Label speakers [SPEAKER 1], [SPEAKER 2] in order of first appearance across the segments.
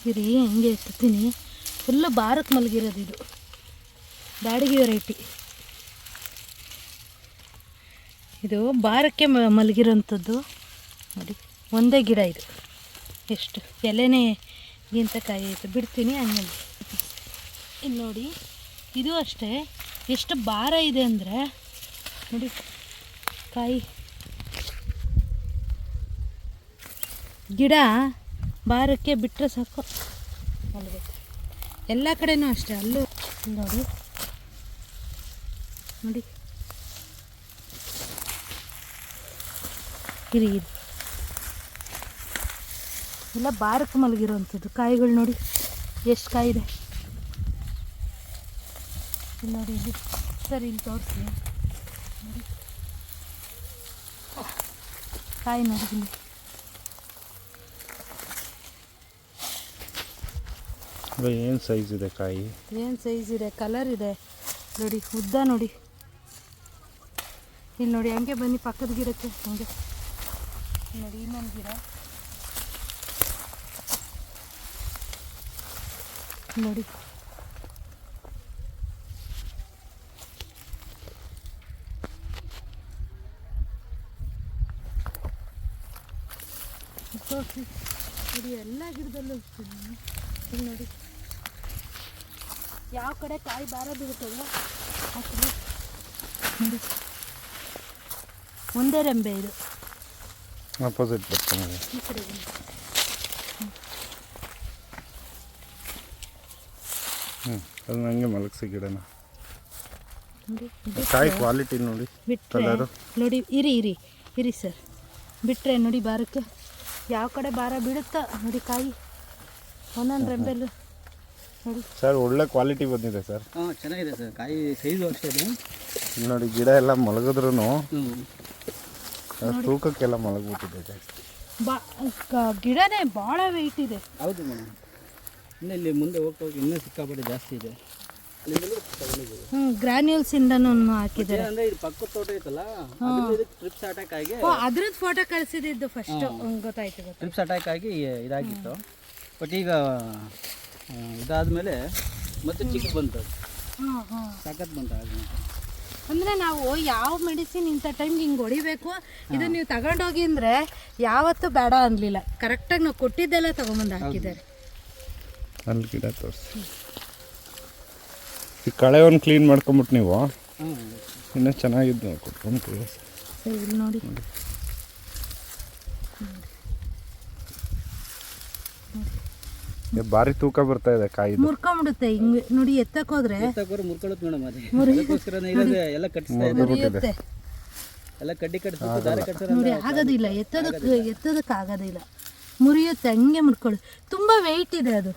[SPEAKER 1] ಇರಿ ಹಂಗೆ ಎತ್ತೀನಿ. ಫುಲ್ಲು ಬಾರಕ್ಕೆ ಮಲಗಿರೋದು ಇದು ಬ್ಯಾಡಗಿ ವೆರೈಟಿ. ಇದು ಬಾರಕ್ಕೆ ಮಲಗಿರೋಂಥದ್ದು ನೋಡಿ. ಒಂದೇ ಗಿಡ ಇದು, ಎಷ್ಟು ಎಲೆನೇ ಗಿಂತ ಕಾಯಿ ಐತೆ. ಬಿಡ್ತೀನಿ ಹಂಗೆ. ಇಲ್ಲಿ ನೋಡಿ, ಇದು ಅಷ್ಟೇ ಎಷ್ಟು ಭಾರ ಇದೆ ಅಂದರೆ ನೋಡಿ. ಕಾಯಿ ಗಿಡ ಭಾರಕ್ಕೆ ಬಿಟ್ಟರೆ ಸಾಕು ಮಲಗುತ್ತೆ. ಎಲ್ಲ ಕಡೆನೂ ಅಷ್ಟೇ. ಅಲ್ಲೂ ನೋಡಿ ನೋಡಿ. ಇರಿ ಎಲ್ಲ ಬಾರಕ್ಕೆ ಮಲಗಿರೋವಂಥದ್ದು ಕಾಯಿಗಳು ನೋಡಿ. ಎಷ್ಟು ಕಾಯಿ ಇದೆ ನೋಡಿ. ಇಲ್ಲಿ ಸರಿ ಇಲ್ಲಿ ತೋರಿಸಿ ನೋಡಿ. ಕಾಯಿ ನೋಡಿ ಇಲ್ಲಿ.
[SPEAKER 2] ಏನು ಸೈಜ್ ಇದೆ ಕಾಯಿ,
[SPEAKER 1] ಏನು ಸೈಜ್ ಇದೆ, ಕಲರ್ ಇದೆ ನೋಡಿ. ಉದ್ದ ನೋಡಿ. ಇಲ್ಲಿ ನೋಡಿ ಹಂಗೆ ಬನ್ನಿ ಪಕ್ಕದ ಗಿಡಕ್ಕೆ. ಹಂಗೆ ನೋಡಿ ಇನ್ನೊಂದು ಗಿಡ ನೋಡಿ. ತೋರಿಸಿ ನೋಡಿ. ಎಲ್ಲ ಗಿಡದಲ್ಲೂ ಇಲ್ಲಿ ನೋಡಿ. ಯಾವ ಕಡೆ ಕಾಯಿ ಬಾರ ಬೀಳುತ್ತಲ್ಲ ಆ ಕಡೆ ನೋಡಿ. ಒಂದೇ ರೆಂಬೆ ಇದು.
[SPEAKER 2] ಆಪೋಸಿಟ್ ಬರ್ತಾನೆ
[SPEAKER 1] ಈ ಕಡೆ
[SPEAKER 2] ಅದು ನನಗೆ ಮಲಗಿಸಿ ಗಿಡನ
[SPEAKER 1] ನೋಡಿ.
[SPEAKER 2] ಕಾಯಿ ಕ್ವಾಲಿಟಿ ನೋಡಿ.
[SPEAKER 1] ಬಿಟ್ಟರೆ ನೋಡಿ. ಇರಿ ಸರ್. ಬಿಟ್ಟರೆ ನೋಡಿ ಬಾರಕ್ಕೆ ಯಾವ ಕಡೆ ಭಾರ ಬೀಳುತ್ತಾ ನೋಡಿ. ಕಾಯಿ ಒಂದೊಂದು ರೆಂಬೆಲ್ಲೂ ನೋಡಿ
[SPEAKER 2] ಸರ್. ಒಳ್ಳೆ ಕ್ವಾಲಿಟಿ ಬಂದಿದೆ ಸರ್.
[SPEAKER 3] ಚೆನ್ನಾಗಿದೆ ಸರ್. ಕಾಯಿ ಸೈಜು ಅಷ್ಟೇ
[SPEAKER 2] ನೋಡಿ. ಗಿಡ ಎಲ್ಲ ಮಲಗಿದ್ರು ತೂಕಕ್ಕೆಲ್ಲ ಮಲಗ್ಬಿಟ್ಟಿದೆ ಜಾಸ್ತಿ.
[SPEAKER 1] ಗಿಡನೇ ಭಾಳ ವೆಯ್ಟ್ ಇದೆ.
[SPEAKER 3] ಹೌದು ಮೇಡಮ್. ಇನ್ನು ಇಲ್ಲಿ ಮುಂದೆ ಹೋಗ್ತಾ ಹೋಗಿ ಇನ್ನೂ ಸಿಕ್ಕಾಪಟ್ಟೆ ಜಾಸ್ತಿ ಇದೆ.
[SPEAKER 1] ಗ್ರಾನ್ಯೂಲ್ಸ್ ಇಂದನೂ ಹಾಕಿದ್ದಾರೆ.
[SPEAKER 3] ಅಂದ್ರೆ ಇದು ಪಕ್ಕದ ತೋಟ ಐತಲ್ಲ, ಟ್ರಿಪ್ಸ್ ಅಟ್ಯಾಕ್ ಆಗಿ
[SPEAKER 1] ಅದ್ರದ್ದು ಫೋಟೋ ಕಳಿಸಿದ್ದು ಫಸ್ಟ್ ಗೊತ್ತಾಯ್ತು.
[SPEAKER 3] ಟ್ರಿಪ್ಸ್ ಅಟ್ಯಾಕ್ ಆಗಿ ಇದಾಗಿತ್ತು. ಬಟ್ ಈಗ ಇದಾದ್ಮೇಲೆ ಮತ್ತೆ ಚಿಕ್ಕ ಬಂತು. ಸಖತ್ ಬಂತು.
[SPEAKER 1] ಅಂದರೆ ನಾವು ಯಾವ ಮೆಡಿಸಿನ್ ಇಂಥ ಟೈಮ್ಗೆ ಹಿಂಗೆ ಹೊಡಿಬೇಕು, ಇದನ್ನು ನೀವು ತಗೊಂಡೋಗಿ ಅಂದರೆ ಯಾವತ್ತೂ ಬೇಡ ಅನ್ನಲಿಲ್ಲ. ಕರೆಕ್ಟಾಗಿ ನಾವು ಕೊಟ್ಟಿದ್ದೆಲ್ಲ ತೊಗೊಂಬಂದು ಹಾಕಿದ್ದಾರೆ.
[SPEAKER 2] ಅಲ್ಲಿ ಗಿಡ ತೋರಿಸಿ. ಈ ಕಳೆ ಒಂದು ಕ್ಲೀನ್ ಮಾಡ್ಕೊಂಬಿಟ್ಟು ನೀವು ಇನ್ನೂ ಚೆನ್ನಾಗಿದ್ದು ಕೊಟ್ಕೊಂತೀವಿ.
[SPEAKER 1] ಸರಿ ಇಲ್ಲಿ ನೋಡಿ.
[SPEAKER 2] ಭಾರಿ ತೂಕ ಬರ್ತಾ ಇದೆ ಕಾಯಿ.
[SPEAKER 1] ಮುರ್ಕೊಂಬಿಡುತ್ತೆ ಹಿಂಗೆ ನೋಡಿ. ಎತ್ತಕ್ಕೋದ್ರೆ
[SPEAKER 3] ಮುರ್ಕೊಳ್ಳುತ್ತೆ ಮೇಡಮ್. ಅದಕ್ಕೋಸ್ಕರನೇ ಇರೋದೇ ಎಲ್ಲ ಕಟ್ಟಿಸ್ತಾ
[SPEAKER 1] ಮುರಿಯುತ್ತೆ.
[SPEAKER 3] ಎಲ್ಲ ಕಡ್ಡಿ ಕಟ್ಟಿಸ್ತಾರೆ, ದಾರ ಕಟ್ತಾರೆ
[SPEAKER 1] ನೋಡಿ. ಆಗೋದಿಲ್ಲ, ಎತ್ತೋದಕ್ಕೆ ಆಗೋದಿಲ್ಲ. ಮುರಿಯುತ್ತೆ ಹಂಗೆ ಮುರ್ಕೊಳ್ಳಿ. ತುಂಬ ವೆಯ್ಟ್ ಇದೆ ಅದು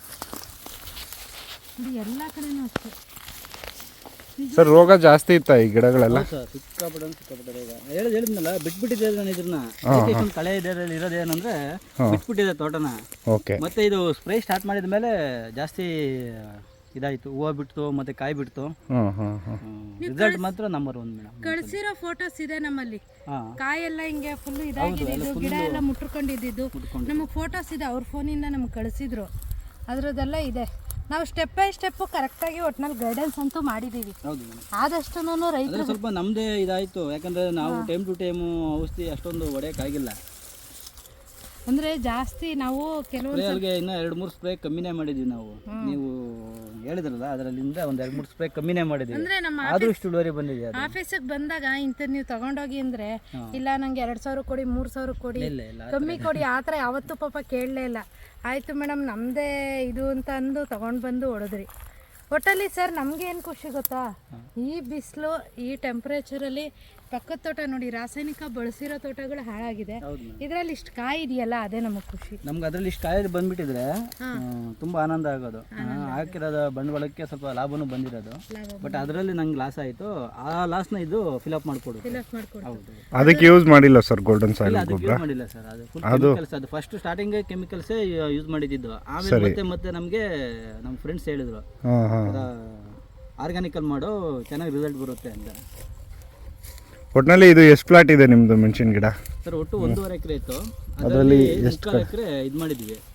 [SPEAKER 1] ನೋಡಿ. ಎಲ್ಲ ಕಡೆನೂ ಅಷ್ಟೇ
[SPEAKER 2] ಸರ್. ರೋಗ ಜಾಸ್ತಿ ಇತ್ತ ಈ ಗಿಡಗಳೆಲ್ಲ?
[SPEAKER 3] ಸಿಕ್ಕಾಪಟ್ಟೆ ರೋಗ. ಹೇಳಿದ್ನಲ್ಲ, ಬಿಟ್ಬಿಟ್ಟಿದೆ ನಾನು ಇದನ್ನ. ಕಳೆ ಇದರಲ್ಲಿ ಇರೋದೇನಂದ್ರೆ ಬಿಟ್ಬಿಟ್ಟಿದೆ ತೋಟನ.
[SPEAKER 2] ಓಕೆ.
[SPEAKER 3] ಮತ್ತೆ ಇದು ಸ್ಪ್ರೇ ಸ್ಟಾರ್ಟ್ ಮಾಡಿದ ಮೇಲೆ ಜಾಸ್ತಿ ಇದಾಯ್ತು. ಹೂವು ಬಿಡ್ತು ಮತ್ತೆ ಕಾಯಿ ಬಿಡ್ತು. ರಿಸಲ್ಟ್ ಮಾತ್ರ ನಂಬರ್ 1 ಮೇಡಮ್.
[SPEAKER 1] ಕಳಿಸಿರೋ ಫೋಟೋಸ್ ಇದೆ ನಮ್ಮಲ್ಲಿ. ಕಾಯೆಲ್ಲ ಹಿಂಗೆ ಫುಲ್ ಇದಾಗಿದ್ದು, ಗಿಡ ಎಲ್ಲ ಮುಟ್ಕೊಂಡಿದ್ದು ನಮಗೆ ಫೋಟೋಸ್ ಇದೆ. ಅವ್ರ ಫೋನಿಂದ ನಮ್ಗೆ ಕಳಿಸಿದ್ರು. ಅದರದ್ದೆಲ್ಲ ಇದೆ. ನಾವು ಸ್ಟೆಪ್ ಬೈ ಸ್ಟೆಪ್ಪು ಕರೆಕ್ಟಾಗಿ ಒಟ್ಟಿನಲ್ಲಿ ಗೈಡೆನ್ಸ್ ಅಂತೂ ಮಾಡಿದ್ದೀವಿ. ಆದಷ್ಟು ರೈತರು
[SPEAKER 3] ಸ್ವಲ್ಪ ನಮ್ಮದೇ ಇದಾಯಿತು. ಯಾಕಂದರೆ ನಾವು ಟೈಮ್ ಟು ಟೈಮು ಔಷಧಿ ಅಷ್ಟೊಂದು ಹೊಡೆಯೋಕ್ಕಾಗಿಲ್ಲ.
[SPEAKER 1] ಅಂದರೆ ಜಾಸ್ತಿ ನಾವು ಕೆಲವೊಂದು
[SPEAKER 3] ಇನ್ನೂ 2-3 ಸ್ಪ್ರೇ ಕಮ್ಮಿನೇ ಮಾಡಿದ್ವಿ ನಾವು. ನೀವು ಹೇಳಿದ್ರಲ್ಲ, ಅದರಲ್ಲಿಂದ ಒಂದು 2-3 ಸ್ಪ್ರೇ ಕಮ್ಮಿನೇ ಮಾಡಿದ್ವಿ.
[SPEAKER 1] ಅಂದರೆ ನಮ್ಮ
[SPEAKER 3] ಆದರೂ ಇಷ್ಟು ಇಳುವರಿ ಬಂದಿದೆ.
[SPEAKER 1] ಆಫೀಸಿಗೆ ಬಂದಾಗ ಇಂಥದ್ದು ನೀವು ತಗೊಂಡೋಗಿ ಅಂದರೆ, ಇಲ್ಲ ನನಗೆ 2000 ಕೊಡಿ, 3000 ಕೊಡಿ, ಕಮ್ಮಿ ಕೊಡಿ, ಆ ಥರ ಯಾವತ್ತೂ ಪಾಪ ಕೇಳಲೇ ಇಲ್ಲ. ಆಯಿತು ಮೇಡಮ್ ನಮ್ಮದೇ ಇದು ಅಂತ ಅಂದು ತೊಗೊಂಡು ಬಂದು ಹೊಡೆದ್ರಿ. ಒಟ್ಟಲ್ಲಿ ಸರ್ ನಮಗೆ ಏನು ಖುಷಿ ಗೊತ್ತಾ, ಈ ಬಿಸಿಲು ಈ ಟೆಂಪ್ರೇಚರಲ್ಲಿ ಪಕ್ಕದ ತೋಟ ನೋಡಿ, ರಾಸಾಯನಿಕ ಬಳಸಿರೋ ತೋಟಗಳು ಹಾಳಾಗಿದೆ. ಇದರಲ್ಲಿ ಇಷ್ಟು ಕಾಯಿ ಇದೆಯಲ್ಲ, ಅದೇ ನಮಗೆ ಖುಷಿ.
[SPEAKER 3] ನಮ್ಗೆ ಅದರಲ್ಲಿ ಇಷ್ಟು ಕಾಯಿ ಬಂದ್ಬಿಟ್ಟಿದ್ರೆ ತುಂಬ ಆನಂದ ಆಗೋದು. ಹಾಕಿರೋದು ಬಂಡವಾಳಕ್ಕೆ ಸ್ವಲ್ಪ ಲಾಭನೂ ಬಂದಿರೋದು. ಬಟ್ ಅದರಲ್ಲಿ ನಂಗೆ ಲಾಸ್ ಆಯಿತು. ಆ ಲಾಸ್ನ ಇದು ಫಿಲಪ್ ಮಾಡಿಕೊಡು.
[SPEAKER 2] ಅದಕ್ಕೆ ಯೂಸ್ ಮಾಡಿಲ್ಲ ಸರ್ ಗೋಲ್ಡನ್ ಸಾಯಿಲ್ ಗೊಬ್ಬರ?
[SPEAKER 3] ಮಾಡಿಲ್ಲ ಸರ್. ಅದು ಅದು ಫಸ್ಟ್ ಸ್ಟಾರ್ಟಿಂಗ್ ಕೆಮಿಕಲ್ಸೇ ಯೂಸ್ ಮಾಡಿದ್ದು. ಆಮೇಲೆ ಮತ್ತೆ ನಮಗೆ ನಮ್ಮ ಫ್ರೆಂಡ್ಸ್ ಹೇಳಿದ್ರು, ಆರ್ಗ್ಯಾನಿಕಲ್ ಮಾಡೋ ಚೆನ್ನಾಗಿ ರಿಸಲ್ಟ್ ಬರುತ್ತೆ ಅಂತ.
[SPEAKER 2] ಒಟ್ಟಿನಲ್ಲಿ ಇದು ಎಷ್ಟು ಪ್ಲಾಟ್ ಇದೆ ನಿಮ್ಮದು ಮೆಣಸಿನ ಗಿಡ?
[SPEAKER 3] ಸರ್ ಒಟ್ಟು 1.5 ಎಕರೆ ಇತ್ತು. ಅದರಲ್ಲಿ 2 ಎಕರೆ ಇದು ಮಾಡಿದ್ವಿ,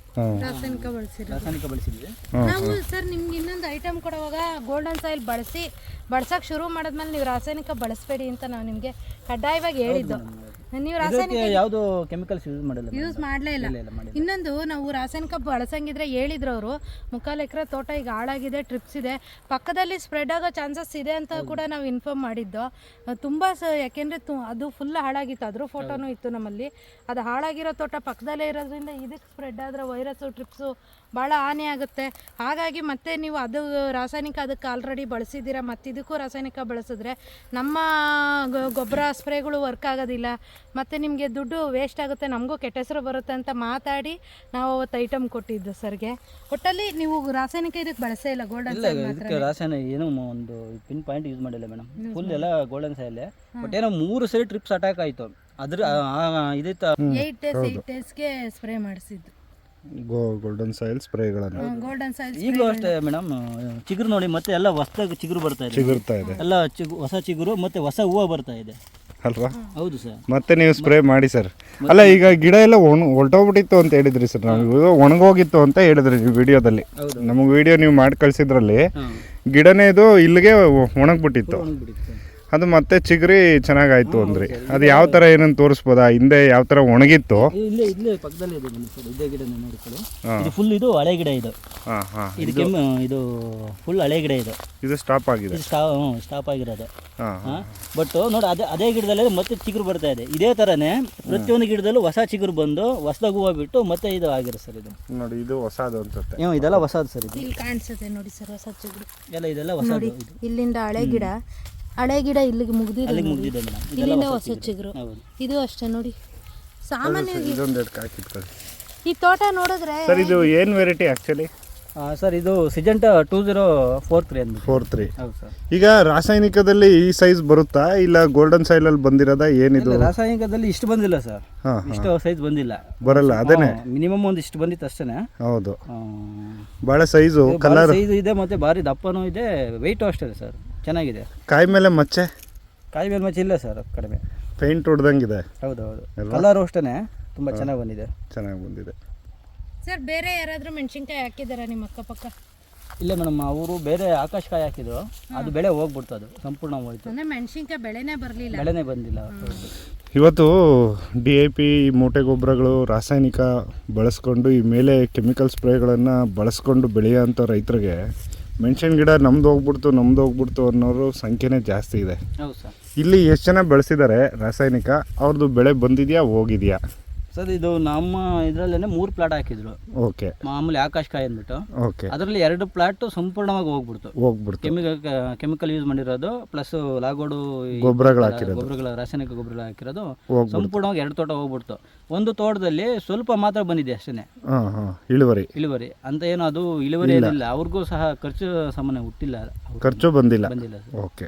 [SPEAKER 1] ರಾಸಾಯನಿಕ ಬಳಸಿರೋದು.
[SPEAKER 3] ರಾಸಾಯನಿಕ ಬಳಸಿದ್ವಿ.
[SPEAKER 1] ನಾವು ಸರ್ ನಿಮ್ಗೆ ಇನ್ನೊಂದು ಐಟಮ್ ಕೊಡುವಾಗ ಗೋಲ್ಡನ್ ಸಾಯಿಲ್ ಬಳಸಕ್ಕೆ ಶುರು ಮಾಡಿದ್ಮೇಲೆ ನೀವು ರಾಸಾಯನಿಕ ಬಳಸಬೇಡಿ ಅಂತ ನಾವು ನಿಮಗೆ ಕಡ್ಡಾಯವಾಗಿ ಹೇಳಿದ್ದು. ನೀವು ರಾಸಾಯನಿಕ
[SPEAKER 3] ಯಾವುದು ಕೆಮಿಕಲ್ಸ್ ಯೂಸ್
[SPEAKER 1] ಮಾಡಲೇ ಇಲ್ಲ. ಇನ್ನೊಂದು ನಾವು ರಾಸಾಯನಿಕ ಬಳಸಂಗಿದ್ರೆ ಹೇಳಿದ್ರು ಅವರು, 3/4 ಎಕರೆ ತೋಟ ಈಗ ಹಾಳಾಗಿದೆ, ಟ್ರಿಪ್ಸ್ ಇದೆ, ಪಕ್ಕದಲ್ಲಿ ಸ್ಪ್ರೆಡ್ ಆಗೋ ಚಾನ್ಸಸ್ ಇದೆ ಅಂತ ಕೂಡ ನಾವು ಇನ್ಫಾರ್ಮ್ ಮಾಡಿದ್ದು. ತುಂಬ ಯಾಕೆಂದರೆ ಅದು ಫುಲ್ ಹಾಳಾಗಿತ್ತು, ಅದ್ರ ಫೋಟೋನೂ ಇತ್ತು ನಮ್ಮಲ್ಲಿ. ಅದು ಹಾಳಾಗಿರೋ ತೋಟ ಪಕ್ಕದಲ್ಲೇ ಇರೋದ್ರಿಂದ ಇದಕ್ಕೆ ಸ್ಪ್ರೆಡ್ ಆದರೆ ವೈರಸ್ಸು ಟ್ರಿಪ್ಸು ಭಾಳ ಹಾನಿ ಆಗುತ್ತೆ. ಹಾಗಾಗಿ ಮತ್ತೆ ನೀವು ಅದು ರಾಸಾಯನಿಕ ಅದಕ್ಕೆ ಆಲ್ರೆಡಿ ಬಳಸಿದ್ದೀರಾ, ಮತ್ತು ಇದಕ್ಕೂ ರಾಸಾಯನಿಕ ಬಳಸಿದ್ರೆ ನಮ್ಮ ಗೊಬ್ಬರ ಸ್ಪ್ರೇಗಳು ವರ್ಕ್ ಆಗೋದಿಲ್ಲ, ಮತ್ತು ನಿಮಗೆ ದುಡ್ಡು ವೇಸ್ಟ್ ಆಗುತ್ತೆ, ನಮಗೂ ಕೆಟ್ಟ ಹೆಸರು ಬರುತ್ತೆ ಅಂತ ಮಾತಾಡಿ ನಾವು ಅವತ್ತು ಐಟಮ್ ಕೊಟ್ಟಿದ್ದು ಸರ್ಗೆ. ಒಟ್ಟಲ್ಲಿ ನೀವು ರಾಸಾಯನಿಕ ಇದಕ್ಕೆ ಬಳಸೇ ಇಲ್ಲ, ಗೋಲ್ಡನ್ ಸಾಯಿಲ್ ಮಾತ್ರ.
[SPEAKER 3] ಇದಕ್ಕೆ ರಾಸಾಯನಿಕ ಏನೋ ಒಂದು ಪಿನ್ ಪಾಯಿಂಟ್ ಯೂಸ್ ಮಾಡಿಲ್ಲ ಮೇಡಮ್, ಫುಲ್ ಎಲ್ಲ ಗೋಲ್ಡನ್ ಸಾಯಿಲ್. ಬಟ್ ಏನೋ 3 ಸರಿ ಟ್ರಿಪ್ಸ್ ಅಟ್ಯಾಕ್ ಆಯಿತು. ಅದ್ರ ಇದಿತ್ತು
[SPEAKER 1] 8 ಡೇಸ್ಗೆ ಸ್ಪ್ರೇ ಮಾಡಿಸಿದ್ದು
[SPEAKER 2] ಗೋಲ್ಡನ್ ಸಾಯಿಲ್ ಸ್ಪ್ರೇಗಳನ್ನು.
[SPEAKER 1] ಗೋಲ್ಡನ್ ಸಾಯಿಲ್
[SPEAKER 3] ಈಗಲೂ ಅಷ್ಟೇ ಮೇಡಮ್, ಚಿಗುರು ನೋಡಿ ಮತ್ತೆ ಎಲ್ಲ ಹೊಸದಾಗಿ ಚಿಗುರು ಬರ್ತಾ ಇದೆ,
[SPEAKER 2] ಚಿಗುರ್ತಾ ಇದೆ
[SPEAKER 3] ಎಲ್ಲ ಹೊಸ ಚಿಗುರು ಮತ್ತೆ ಹೊಸ ಹೂವು ಬರ್ತಾ ಇದೆ
[SPEAKER 2] ಅಲ್ವಾ?
[SPEAKER 3] ಹೌದು ಸರ್.
[SPEAKER 2] ಮತ್ತೆ ನೀವು ಸ್ಪ್ರೇ ಮಾಡಿ ಸರ್. ಅಲ್ಲ ಈಗ ಗಿಡ ಎಲ್ಲ ಹೊರಟೋಗ್ಬಿಟ್ಟಿತ್ತು ಅಂತ ಹೇಳಿದ್ರಿ ಸರ್, ನಾವು ಒಣಗೋಗಿತ್ತು ಅಂತ ಹೇಳಿದ್ರಿ ನೀವು ವಿಡಿಯೋದಲ್ಲಿ. ನಮಗೆ ವಿಡಿಯೋ ನೀವು ಮಾಡಿ ಕಳಿಸಿದ್ರಲ್ಲಿ ಗಿಡನೇ ಇದು ಇಲ್ಲಿಗೆ ಒಣಗ್ಬಿಟ್ಟಿತ್ತು, ಅದು ಮತ್ತೆ ಚಿಗುರಿ ಚೆನ್ನಾಗಾಯ್ತು ಅಂದ್ರಿ. ಅದು ಯಾವ ಥರ ಏನಂತ ತೋರಿಸ್ಬೋದಾ? ಹಿಂದೆ ಯಾವ ಥರ ಒಣಗಿತ್ತು?
[SPEAKER 3] ಇಲ್ಲೇ ಪಕ್ಕದಲ್ಲಿ ಇದೆ ಸರ್, ಇದೇ ಗಿಡ ನೋಡ್ಕೊಳ್ಳಿ. ಇದು ಫುಲ್ ಇದು ಹಳೆ ಗಿಡ ಇದು. ಇದು ಇದು ಫುಲ್ ಹಳೆ ಗಿಡ ಇದು.
[SPEAKER 2] ಇದು ಸ್ಟಾಪ್ ಆಗಿದೆ,
[SPEAKER 3] ಸ್ಟಾಪ್ ಆಗಿರೋದು. ಬಟ್ ನೋಡಿ ಅದೇ ಗಿಡದಲ್ಲಿ ಮತ್ತೆ ಚಿಗುರು ಬರ್ತಾ ಇದೆ. ಇದೇ ಥರನೇ ಪ್ರತಿಯೊಂದು ಗಿಡದಲ್ಲೂ ಹೊಸ ಚಿಗುರು ಬಂದು ಹೊಸದಾಗ ಹೂವು ಬಿಟ್ಟು ಮತ್ತೆ ಇದು ಆಗಿರೋ ಸರ್. ಇದು
[SPEAKER 2] ನೋಡಿ, ಇದು ಹೊಸದು ಅನ್ಸುತ್ತೆ.
[SPEAKER 3] ಇದೆಲ್ಲ ಹೊಸದು ಸರ್. ಇದು
[SPEAKER 1] ಇಲ್ಲಿ ಕಾಣಿಸುತ್ತೆ ನೋಡಿ ಸರ್, ಹೊಸ ಚಿಗುರು
[SPEAKER 3] ಇದೆಲ್ಲ ಹೊಸದು.
[SPEAKER 1] ಇಲ್ಲಿಂದ ಹಳೆ ಗಿಡ ಇಲ್ಲಿಗೆ ಮುಗ್ದಿದೆ, ಇಲ್ಲಿಂದ ಹೊಸ ಚಿಗುರು. ಇದು ಅಷ್ಟೇ ನೋಡಿ. ಸಾಮಾನ್ಯವಾಗಿ ಈ ತೋಟ ನೋಡಿದ್ರೆ
[SPEAKER 2] ಸರ್, ಇದು ಏನು ವೆರೈಟಿ ಆ್ಯಕ್ಚುಲಿ
[SPEAKER 3] ಸರ್? ಇದು ಸಿಜೆಂಟಾ 2043 ಅಂತ.
[SPEAKER 2] 43.
[SPEAKER 3] ಹೌದು ಸರ್.
[SPEAKER 2] ಈಗ ರಾಸಾಯನಿಕದಲ್ಲಿ ಈ ಸೈಜ್ ಬರುತ್ತಾ ಇಲ್ಲ ಗೋಲ್ಡನ್ ಸಾಯಿಲ್ ಅಲ್ಲಿ ಬಂದಿರೋದ? ಏನಿದು
[SPEAKER 3] ರಾಸಾಯನಿಕದಲ್ಲಿ ಇಷ್ಟು ಬಂದಿಲ್ಲ ಸರ್, ಇಷ್ಟು ಸೈಜ್ ಬಂದಿಲ್ಲ,
[SPEAKER 2] ಬರಲ್ಲ. ಅದೇನೆ
[SPEAKER 3] ಮಿನಿಮಮ್ ಒಂದು ಇಷ್ಟು ಬಂದಿತ್ತು ಅಷ್ಟೇನೆ.
[SPEAKER 2] ಹೌದು, ಬಹಳ ಸೈಜು, ಕಲರ್
[SPEAKER 3] ಸೈಜ್ ಇದೆ, ಮತ್ತೆ ಭಾರಿ ದಪ್ಪನೂ ಇದೆ, ವೆಯ್ಟು ಅಷ್ಟೇ ಸರ್, ಚೆನ್ನಾಗಿದೆ.
[SPEAKER 2] ಕಾಯಿ ಮೇಲೆ ಮಚ್ಚೆ?
[SPEAKER 3] ಕಾಯಿ ಮೇಲೆ ಮಚ್ಚೆ ಇಲ್ಲ ಸರ್, ಕಡಿಮೆ.
[SPEAKER 2] ಪೇಂಟ್ ಹೊಡೆದಂಗಿದೆ.
[SPEAKER 3] ಹೌದು, ಕಲರು ಅಷ್ಟೇ ತುಂಬ ಚೆನ್ನಾಗಿ ಬಂದಿದೆ.
[SPEAKER 2] ಚೆನ್ನಾಗಿ ಬಂದಿದೆ
[SPEAKER 1] ಸರ್. ಬೇರೆ ಯಾರಾದರೂ ಮೆಣಸಿನ್ಕಾಯಿ ಹಾಕಿದಾರ ನಿಮ್ಮ ಅಕ್ಕಪಕ್ಕ?
[SPEAKER 3] ಇಲ್ಲ ಮೇಡಮ್, ಅವರು ಬೇರೆ ಆಕಾಶಕಾಯಿ ಹಾಕಿದ್ರು, ಅದು ಬೆಳೆ ಹೋಗ್ಬಿಡ್ತು, ಅದು ಸಂಪೂರ್ಣ ಹೋಯ್ತು.
[SPEAKER 1] ಅಂದರೆ ಮೆಣಸಿನ್ಕಾಯಿ ಬೆಳೆನೇ
[SPEAKER 3] ಬಂದಿಲ್ಲ.
[SPEAKER 2] ಇವತ್ತು DAP ಮೂಟೆ ಗೊಬ್ಬರಗಳು ರಾಸಾಯನಿಕ ಬಳಸ್ಕೊಂಡು ಈ ಮೇಲೆ ಕೆಮಿಕಲ್ ಸ್ಪ್ರೇಗಳನ್ನು ಬಳಸ್ಕೊಂಡು ಬೆಳೆಯೋಂಥ ರೈತರಿಗೆ ಮೆಣಸಿನ ಗಿಡ ನಮ್ದು ಹೋಗ್ಬಿಡ್ತು ಅನ್ನೋರು ಸಂಖ್ಯೆನೇ ಜಾಸ್ತಿ ಇದೆ.
[SPEAKER 3] ಹೌದು ಸರ್.
[SPEAKER 2] ಇಲ್ಲಿ ಎಷ್ಟು ಜನ ಬೆಳೆಸಿದ್ದಾರೆ ರಾಸಾಯನಿಕ, ಅವ್ರದ್ದು ಬೆಳೆ ಬಂದಿದೆಯಾ ಹೋಗಿದೆಯಾ?
[SPEAKER 3] ಸರ್, ಇದು ನಮ್ಮ ಇದರಲ್ಲೇ 3 ಪ್ಲಾಟ್ ಹಾಕಿದ್ರು.
[SPEAKER 2] ಓಕೆ.
[SPEAKER 3] ಮಾಮೂಲಿ ಆಕಾಶಕಾಯಿ ಅಂದ್ಬಿಟ್ಟು.
[SPEAKER 2] ಓಕೆ.
[SPEAKER 3] ಅದರಲ್ಲಿ 2 ಪ್ಲಾಟ್ ಸಂಪೂರ್ಣವಾಗಿ ಹೋಗ್ಬಿಡ್ತು. ಕೆಮಿಕಲ್ ಯೂಸ್ ಮಾಡಿರೋದು ಪ್ಲಸ್ ಲಾಗೋಡು ಗೊಬ್ಬರಗಳ ರಾಸಾಯನಿಕ ಗೊಬ್ಬರಗಳು ಹಾಕಿರೋದು ಸಂಪೂರ್ಣವಾಗಿ 2 ತೋಟ ಹೋಗ್ಬಿಡ್ತು. ಒಂದು ತೋಟದಲ್ಲಿ ಸ್ವಲ್ಪ ಮಾತ್ರ ಬಂದಿದೆ ಅಷ್ಟೇ ಇಳುವರಿ ಅಂತ. ಏನು ಅದು ಇಳುವರಿ ಏನಿಲ್ಲ, ಅವ್ರಿಗೂ ಸಹ ಖರ್ಚು ಸಾಮಾನ್ಯ ಹುಟ್ಟಿಲ್ಲ, ಖರ್ಚು ಬಂದಿಲ್ಲ.
[SPEAKER 2] ಓಕೆ.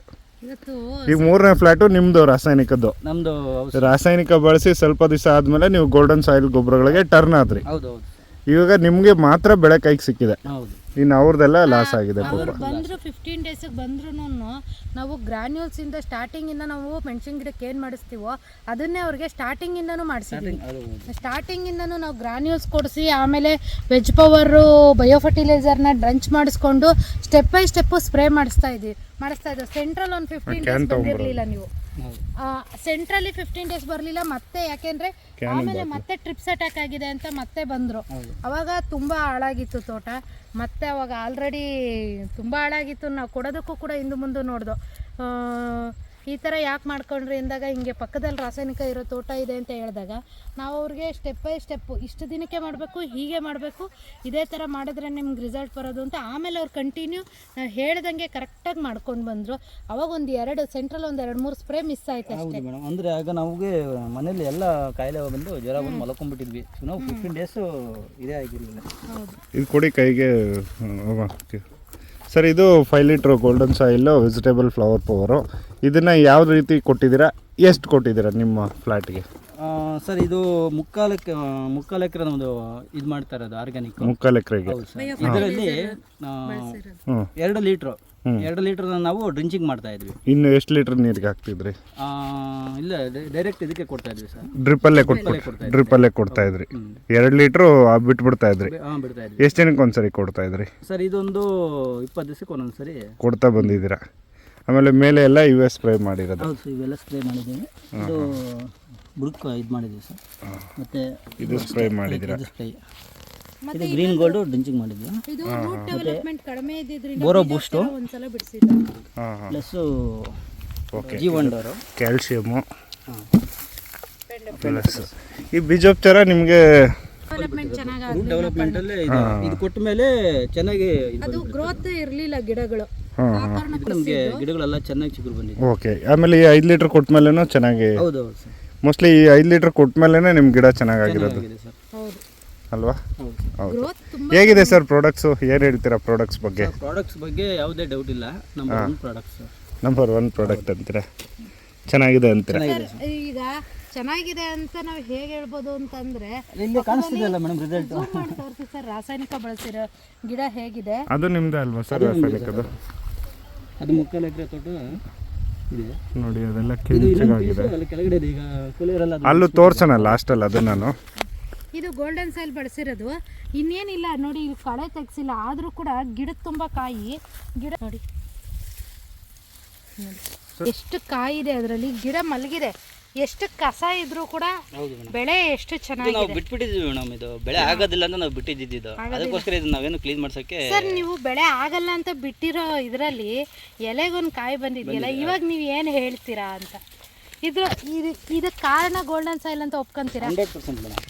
[SPEAKER 2] ಈಗ 3ನೇ ಫ್ಲಾಟು ನಿಮ್ದು ರಾಸಾಯನಿಕದ್ದು?
[SPEAKER 3] ನಮ್ದು.
[SPEAKER 2] ರಾಸಾಯನಿಕ ಬಳಸಿ ಸ್ವಲ್ಪ ದಿವಸ ಆದ್ಮೇಲೆ ನೀವು ಗೋಲ್ಡನ್ ಸಾಯಿಲ್ ಗೊಬ್ಬರಗಳಿಗೆ ಟರ್ನ್ ಆದ್ರಿ.
[SPEAKER 3] ಹೌದು.
[SPEAKER 2] ಇವಾಗ ನಿಮ್ಗೆ ಮಾತ್ರ ಬೆಳೆ ಕೈಗೆ ಸಿಕ್ಕಿದೆ, ಇನ್ನು ಅವ್ರದ್ದೆಲ್ಲ ಲಾಸ್ ಆಗಿದೆ.
[SPEAKER 1] ಬಂದ್ರು 15 ಡೇಸಿಗೆ ಬಂದ್ರೂ ನಾವು ಗ್ರಾನ್ಯೂಲ್ಸ್ ಇಂದ ಸ್ಟಾರ್ಟಿಂಗ್ ಇಂದ ನಾವು ಮೆಣಸಿನ ಗಿಡಕ್ಕೆ ಏನು ಮಾಡಿಸ್ತೀವೋ ಅದನ್ನೇ ಅವ್ರಿಗೆ ಸ್ಟಾರ್ಟಿಂಗ್ ಇಂದನೂ ಮಾಡಿಸಿದ್ವಿ. ಸ್ಟಾರ್ಟಿಂಗ್ ಇಂದನೂ ನಾವು ಗ್ರಾನ್ಯೂಲ್ಸ್ ಕೊಡಿಸಿ, ಆಮೇಲೆ ವೆಜ್ ಪವರು ಬಯೋ ಫರ್ಟಿಲೈಸರ್ನ ಡ್ರಂಚ್ ಮಾಡಿಸ್ಕೊಂಡು ಸ್ಟೆಪ್ ಬೈ ಸ್ಟೆಪ್ ಸ್ಪ್ರೇ ಮಾಡಿಸ್ತಾ ಇದ್ವಿ. ಸೆಂಟ್ರಲ್ ಒಂದು 15 ಡೇಸ್ ಬಂದಿರಲಿಲ್ಲ ನೀವು, ಸೆಂಟ್ರಲ್ಲಿ 15 ಡೇಸ್ ಬರಲಿಲ್ಲ. ಮತ್ತೆ ಯಾಕೆಂದ್ರೆ ಆಮೇಲೆ ಮತ್ತೆ ಟ್ರಿಪ್ಸ್ ಅಟ್ಯಾಕ್ ಆಗಿದೆ ಅಂತ ಮತ್ತೆ ಬಂದರು. ಅವಾಗ ತುಂಬ ಹಾಳಾಗಿತ್ತು ತೋಟ. ಮತ್ತೆ ಅವಾಗ ಆಲ್ರೆಡಿ ತುಂಬ ಹಾಳಾಗಿತ್ತು. ನಾವು ಕೊಡೋದಕ್ಕೂ ಕೂಡ ಹಿಂದೆ ಮುಂದೆ ನೋಡ್ದು, ಈ ಥರ ಯಾಕೆ ಮಾಡ್ಕೊಂಡ್ರಿ ಅಂದಾಗ ಹಿಂಗೆ ಪಕ್ಕದಲ್ಲಿ ರಾಸಾಯನಿಕ ಇರೋ ತೋಟ ಇದೆ ಅಂತ ಹೇಳಿದಾಗ ನಾವು ಅವ್ರಿಗೆ ಸ್ಟೆಪ್ ಬೈ ಸ್ಟೆಪ್ಪು ಇಷ್ಟು ದಿನಕ್ಕೆ ಮಾಡಬೇಕು, ಹೀಗೆ ಮಾಡಬೇಕು, ಇದೇ ಥರ ಮಾಡಿದ್ರೆ ನಿಮ್ಗೆ ರಿಸಲ್ಟ್ ಬರೋದು ಅಂತ. ಆಮೇಲೆ ಅವ್ರು ಕಂಟಿನ್ಯೂ ನಾವು ಹೇಳ್ದಂಗೆ ಕರೆಕ್ಟಾಗಿ ಮಾಡ್ಕೊಂಡು ಬಂದರು. ಅವಾಗ ಒಂದು ಸೆಂಟ್ರಲ್ ಒಂದು 2-3 ಸ್ಪ್ರೇ ಮಿಸ್ ಆಯ್ತು ಅಷ್ಟೇ.
[SPEAKER 3] ಅಂದರೆ ಆಗ ನಮಗೆ ಮನೇಲಿ ಎಲ್ಲ ಕಾಯಿಲೆ ಬಂದು ಜ್ವರ ಬಂದು ಮಲ್ಕೊಂಡ್ಬಿಟ್ಟಿದ್ವಿ. ನಾವು 15 ಡೇಸು ಇದೇ ಆಗಿರಲಿಲ್ಲ.
[SPEAKER 1] ಹೌದು.
[SPEAKER 2] ಇದು ಕೊಡಿ ಕೈಗೆ ಸರ್. ಇದು 5 litre golden soil vegetable flower power. ಇದನ್ನು ಯಾವ ರೀತಿ ಕೊಟ್ಟಿದ್ದೀರಾ, ಎಷ್ಟು ಕೊಟ್ಟಿದ್ದೀರಾ ನಿಮ್ಮ ಫ್ಲ್ಯಾಟ್ಗೆ?
[SPEAKER 3] ಸರ್ ಇದು ಮುಕ್ಕಾಲು ಎಕರೆ ನಮ್ಮದು ಇದು ಮಾಡ್ತಾ ಇರೋದು ಆರ್ಗ್ಯಾನಿಕ್.
[SPEAKER 2] ಮುಕ್ಕಾಲು ಎಕರೆಗೆ.
[SPEAKER 3] ಹೌದು ಸರ್. ಇದರಲ್ಲಿ 2 ಲೀಟ್ರು 2 ಲೀಟರ್ ನಾವು ಡ್ರಿಂಚಿಂಗ್ ಮಾಡ್ತಾ ಇದ್ವಿ.
[SPEAKER 2] ಇನ್ನು ಎಷ್ಟು ಲೀಟರ್ ನೀರಿಗೆ ಹಾಕ್ತಿದ್ರಿ?
[SPEAKER 3] ಇಲ್ಲ ಡೈರೆಕ್ಟ್ ಇದಕ್ಕೆ ಕೊಡ್ತಾ ಇದ್ವಿ ಸರ್.
[SPEAKER 2] ಡ್ರಿಪ್ಪಲ್ಲೇ ಕೊಡ್ತಾ ಇದ್ರಿ. 2 ಲೀಟ್ರು ಬಿಟ್ಬಿಡ್ತಾ ಇದ್ರಿ.
[SPEAKER 3] ಬಿಡ್ತಾ ಇದ್ವಿ.
[SPEAKER 2] ಎಷ್ಟು ದಿನಕ್ಕೆ ಒಂದ್ಸರಿ ಕೊಡ್ತಾ ಇದ್ರಿ
[SPEAKER 3] ಸರ್? ಇದೊಂದು 20 ದಿವಸಕ್ಕೆ ಒಂದೊಂದ್ಸರಿ
[SPEAKER 2] ಕೊಡ್ತಾ ಬಂದಿದ್ದೀರಾ. ಆಮೇಲೆ ಮೇಲೆ ಎಲ್ಲ ಇವೇ ಸ್ಪ್ರೇ ಮಾಡಿರೋದು?
[SPEAKER 3] ಹೌದು ಸರ್, ಇವೆಲ್ಲ ಸ್ಪ್ರೇ ಮಾಡಿದ್ದೀವಿ. ಇದು ಬುಡಕ್ಕೆ ಇದು ಮಾಡಿದ್ದೀವಿ ಸರ್. ಮತ್ತು
[SPEAKER 2] ಇದು ಸ್ಪ್ರೇ ಮಾಡಿದ್ದೀರಾ?
[SPEAKER 3] ಇದು ಸ್ಪ್ರೇ. ಇದು ಗ್ರೀನ್ ಗೋಲ್ಡು ಡ್ರಿಂಚಿಂಗ್ ಮಾಡಿದ್ವಿ.
[SPEAKER 1] ಇದು ರೂಟ್ ಡೆವಲಪ್ಮೆಂಟ್ ಕಡಿಮೆ ಇದ್ದಿದ್ರಿಂದ
[SPEAKER 3] ಬೋರೋ ಬೂಸ್ಟು
[SPEAKER 1] ಒಂದ್ಸಲ ಬಿಡಿಸಿದ್ದು.
[SPEAKER 3] ಪ್ಲಸ್ಸು
[SPEAKER 2] ಓಕೆ,
[SPEAKER 3] ಜೀವಂಡರು,
[SPEAKER 2] ಕ್ಯಾಲ್ಶಿಯಮು ಪ್ಲಸ್ ಈ ಬೀಜೋಪಚಾರ ನಿಮಗೆ
[SPEAKER 1] ಡೆವಲಪ್ಮೆಂಟ್ ಚೆನ್ನಾಗಿ
[SPEAKER 3] ರೂಟ್ ಡೆವಲಪ್ಮೆಂಟಲ್ಲೇ ಇದು ಕೊಟ್ಟ ಮೇಲೆ ಚೆನ್ನಾಗಿ
[SPEAKER 1] ಅದು ಗ್ರೋತ್ ಇರಲಿಲ್ಲ ಗಿಡಗಳು.
[SPEAKER 3] ನಮಗೆ ಗಿಡಗಳೆಲ್ಲ ಚೆನ್ನಾಗಿ ಚಿಗುರು ಬಂದಿದೆ.
[SPEAKER 2] ಓಕೆ. ಆಮೇಲೆ ಈ 5 ಲೀಟ್ರ್ ಕೊಟ್ಟ ಮೇಲೇನೂ ಚೆನ್ನಾಗಿ?
[SPEAKER 3] ಹೌದು ಹೌದು ಸರ್.
[SPEAKER 2] ಮೋಸ್ಟ್ಲಿ ಈ 5 ಲೀಟ್ರ್ ಕೊಟ್ಟ ಮೇಲೇ ನಿಮ್ಮ ಗಿಡ ಚೆನ್ನಾಗಿರೋದು
[SPEAKER 3] ಸರ್.
[SPEAKER 1] ಹೌದು
[SPEAKER 2] ಅಲ್ವಾ?
[SPEAKER 3] ಹೌದು.
[SPEAKER 2] ಹೌದು. ಹೇಗಿದೆ ಸರ್ ಪ್ರಾಡಕ್ಟ್ಸು? ಏನು ಹೇಳ್ತೀರಾ ಪ್ರಾಡಕ್ಟ್ಸ್ ಬಗ್ಗೆ?
[SPEAKER 3] ಪ್ರಾಡಕ್ಟ್ಸ್ ಬಗ್ಗೆ ಯಾವುದೇ ಡೌಟ್ ಇಲ್ಲ. Number 1 products.
[SPEAKER 2] ನಂಬರ್ 1 ಪ್ರಾಡಕ್ಟ್ ಅಂತೀರಾ? ಚೆನ್ನಾಗಿದೆ ಅಂತೀರಾ?
[SPEAKER 1] ಈಗ ಚೆನ್ನಾಗಿದೆ ಅಂತ ನಾವು ಹೇಗೆ ಹೇಳ್ಬೋದು ಅಂತಂದ್ರೆ
[SPEAKER 3] ಇಲ್ಲಿ ಕಾಣಿಸ್ತಿದೆಯಲ್ಲ ಮೇಡಮ್ ರಿಸಲ್ಟ್.
[SPEAKER 1] ತೋರಿಸಿ ಸರ್, ರಾಸಾಯನಿಕ ಬಳಸಿರೋ ಗಿಡ ಹೇಗಿದೆ.
[SPEAKER 2] ಅದು ನಿಮ್ದು ಅಲ್ವಾ ಸರ್ ರಾಸಾಯನಿಕದು?
[SPEAKER 3] ಅದು ಮುಕ್ಕಾಲು ಎಕರೆ ತೋಟ ಇದೆ
[SPEAKER 2] ನೋಡಿ, ಅದೆಲ್ಲ ಕೆಂಚಾಗಿದೆ.
[SPEAKER 3] ಅಲ್ಲಿ ಕೆಳಗಡೆ ಇದೆ. ಈಗ ಕೂಲಿಯರೆಲ್ಲ
[SPEAKER 2] ಅಲ್ಲೂ ತೋರ್ಸೋಣ ಲಾಸ್ಟಲ್ಲಿ ಅದು ನಾನು.
[SPEAKER 1] ಇದು ಗೋಲ್ಡನ್ ಸಾಯಿಲ್ ಬಳಸಿರೋದು. ಇನ್ನೇನಿಲ್ಲ ನೋಡಿ, ಇಲ್ಲಿ ಕಳೆ ತೆಗ್ಸಿಲ್ಲ, ಆದರೂ ಕೂಡ ಗಿಡದ ತುಂಬ ಕಾಯಿ. ಗಿಡ ನೋಡಿ ಎಷ್ಟು ಕಾಯಿ ಇದೆ ಅದರಲ್ಲಿ. ಗಿಡ ಮಲಗಿದೆ. ಎಷ್ಟು ಕಸ ಇದ್ರೂ ಕೂಡ ಬೆಳೆ ಎಷ್ಟು ಚೆನ್ನಾಗಿದೆ.
[SPEAKER 3] ನಾವು ಬಿಟ್ಬಿಟ್ಟಿದ್ವಿ ಮೇಡಮ್. ಇದು ಬೆಳೆ ಆಗೋದಿಲ್ಲ ಅಂತ ನಾವು ಬಿಟ್ಟಿದ್ದು. ಅದಕ್ಕೋಸ್ಕರ ಇದು ನಾವೇನು ಕ್ಲೀನ್ ಮಾಡ್ಸೋಕ್ಕೆ.
[SPEAKER 1] ಸರ್, ನೀವು ಬೆಳೆ ಆಗಲ್ಲ ಅಂತ ಬಿಟ್ಟಿರೋ ಇದರಲ್ಲಿ ಎಲೆಗೊಂದು ಕಾಯಿ ಬಂದಿದೆಯಲ್ಲ, ಇವಾಗ ನೀವು ಏನು ಹೇಳ್ತೀರಾ ಅಂತ. ಇದು ಕಾರಣ ಗೋಲ್ಡನ್ ಸಾಯಿಲ್ ಅಂತ ಒಪ್ಕೊಂತೀರಾ?
[SPEAKER 3] 100% madam.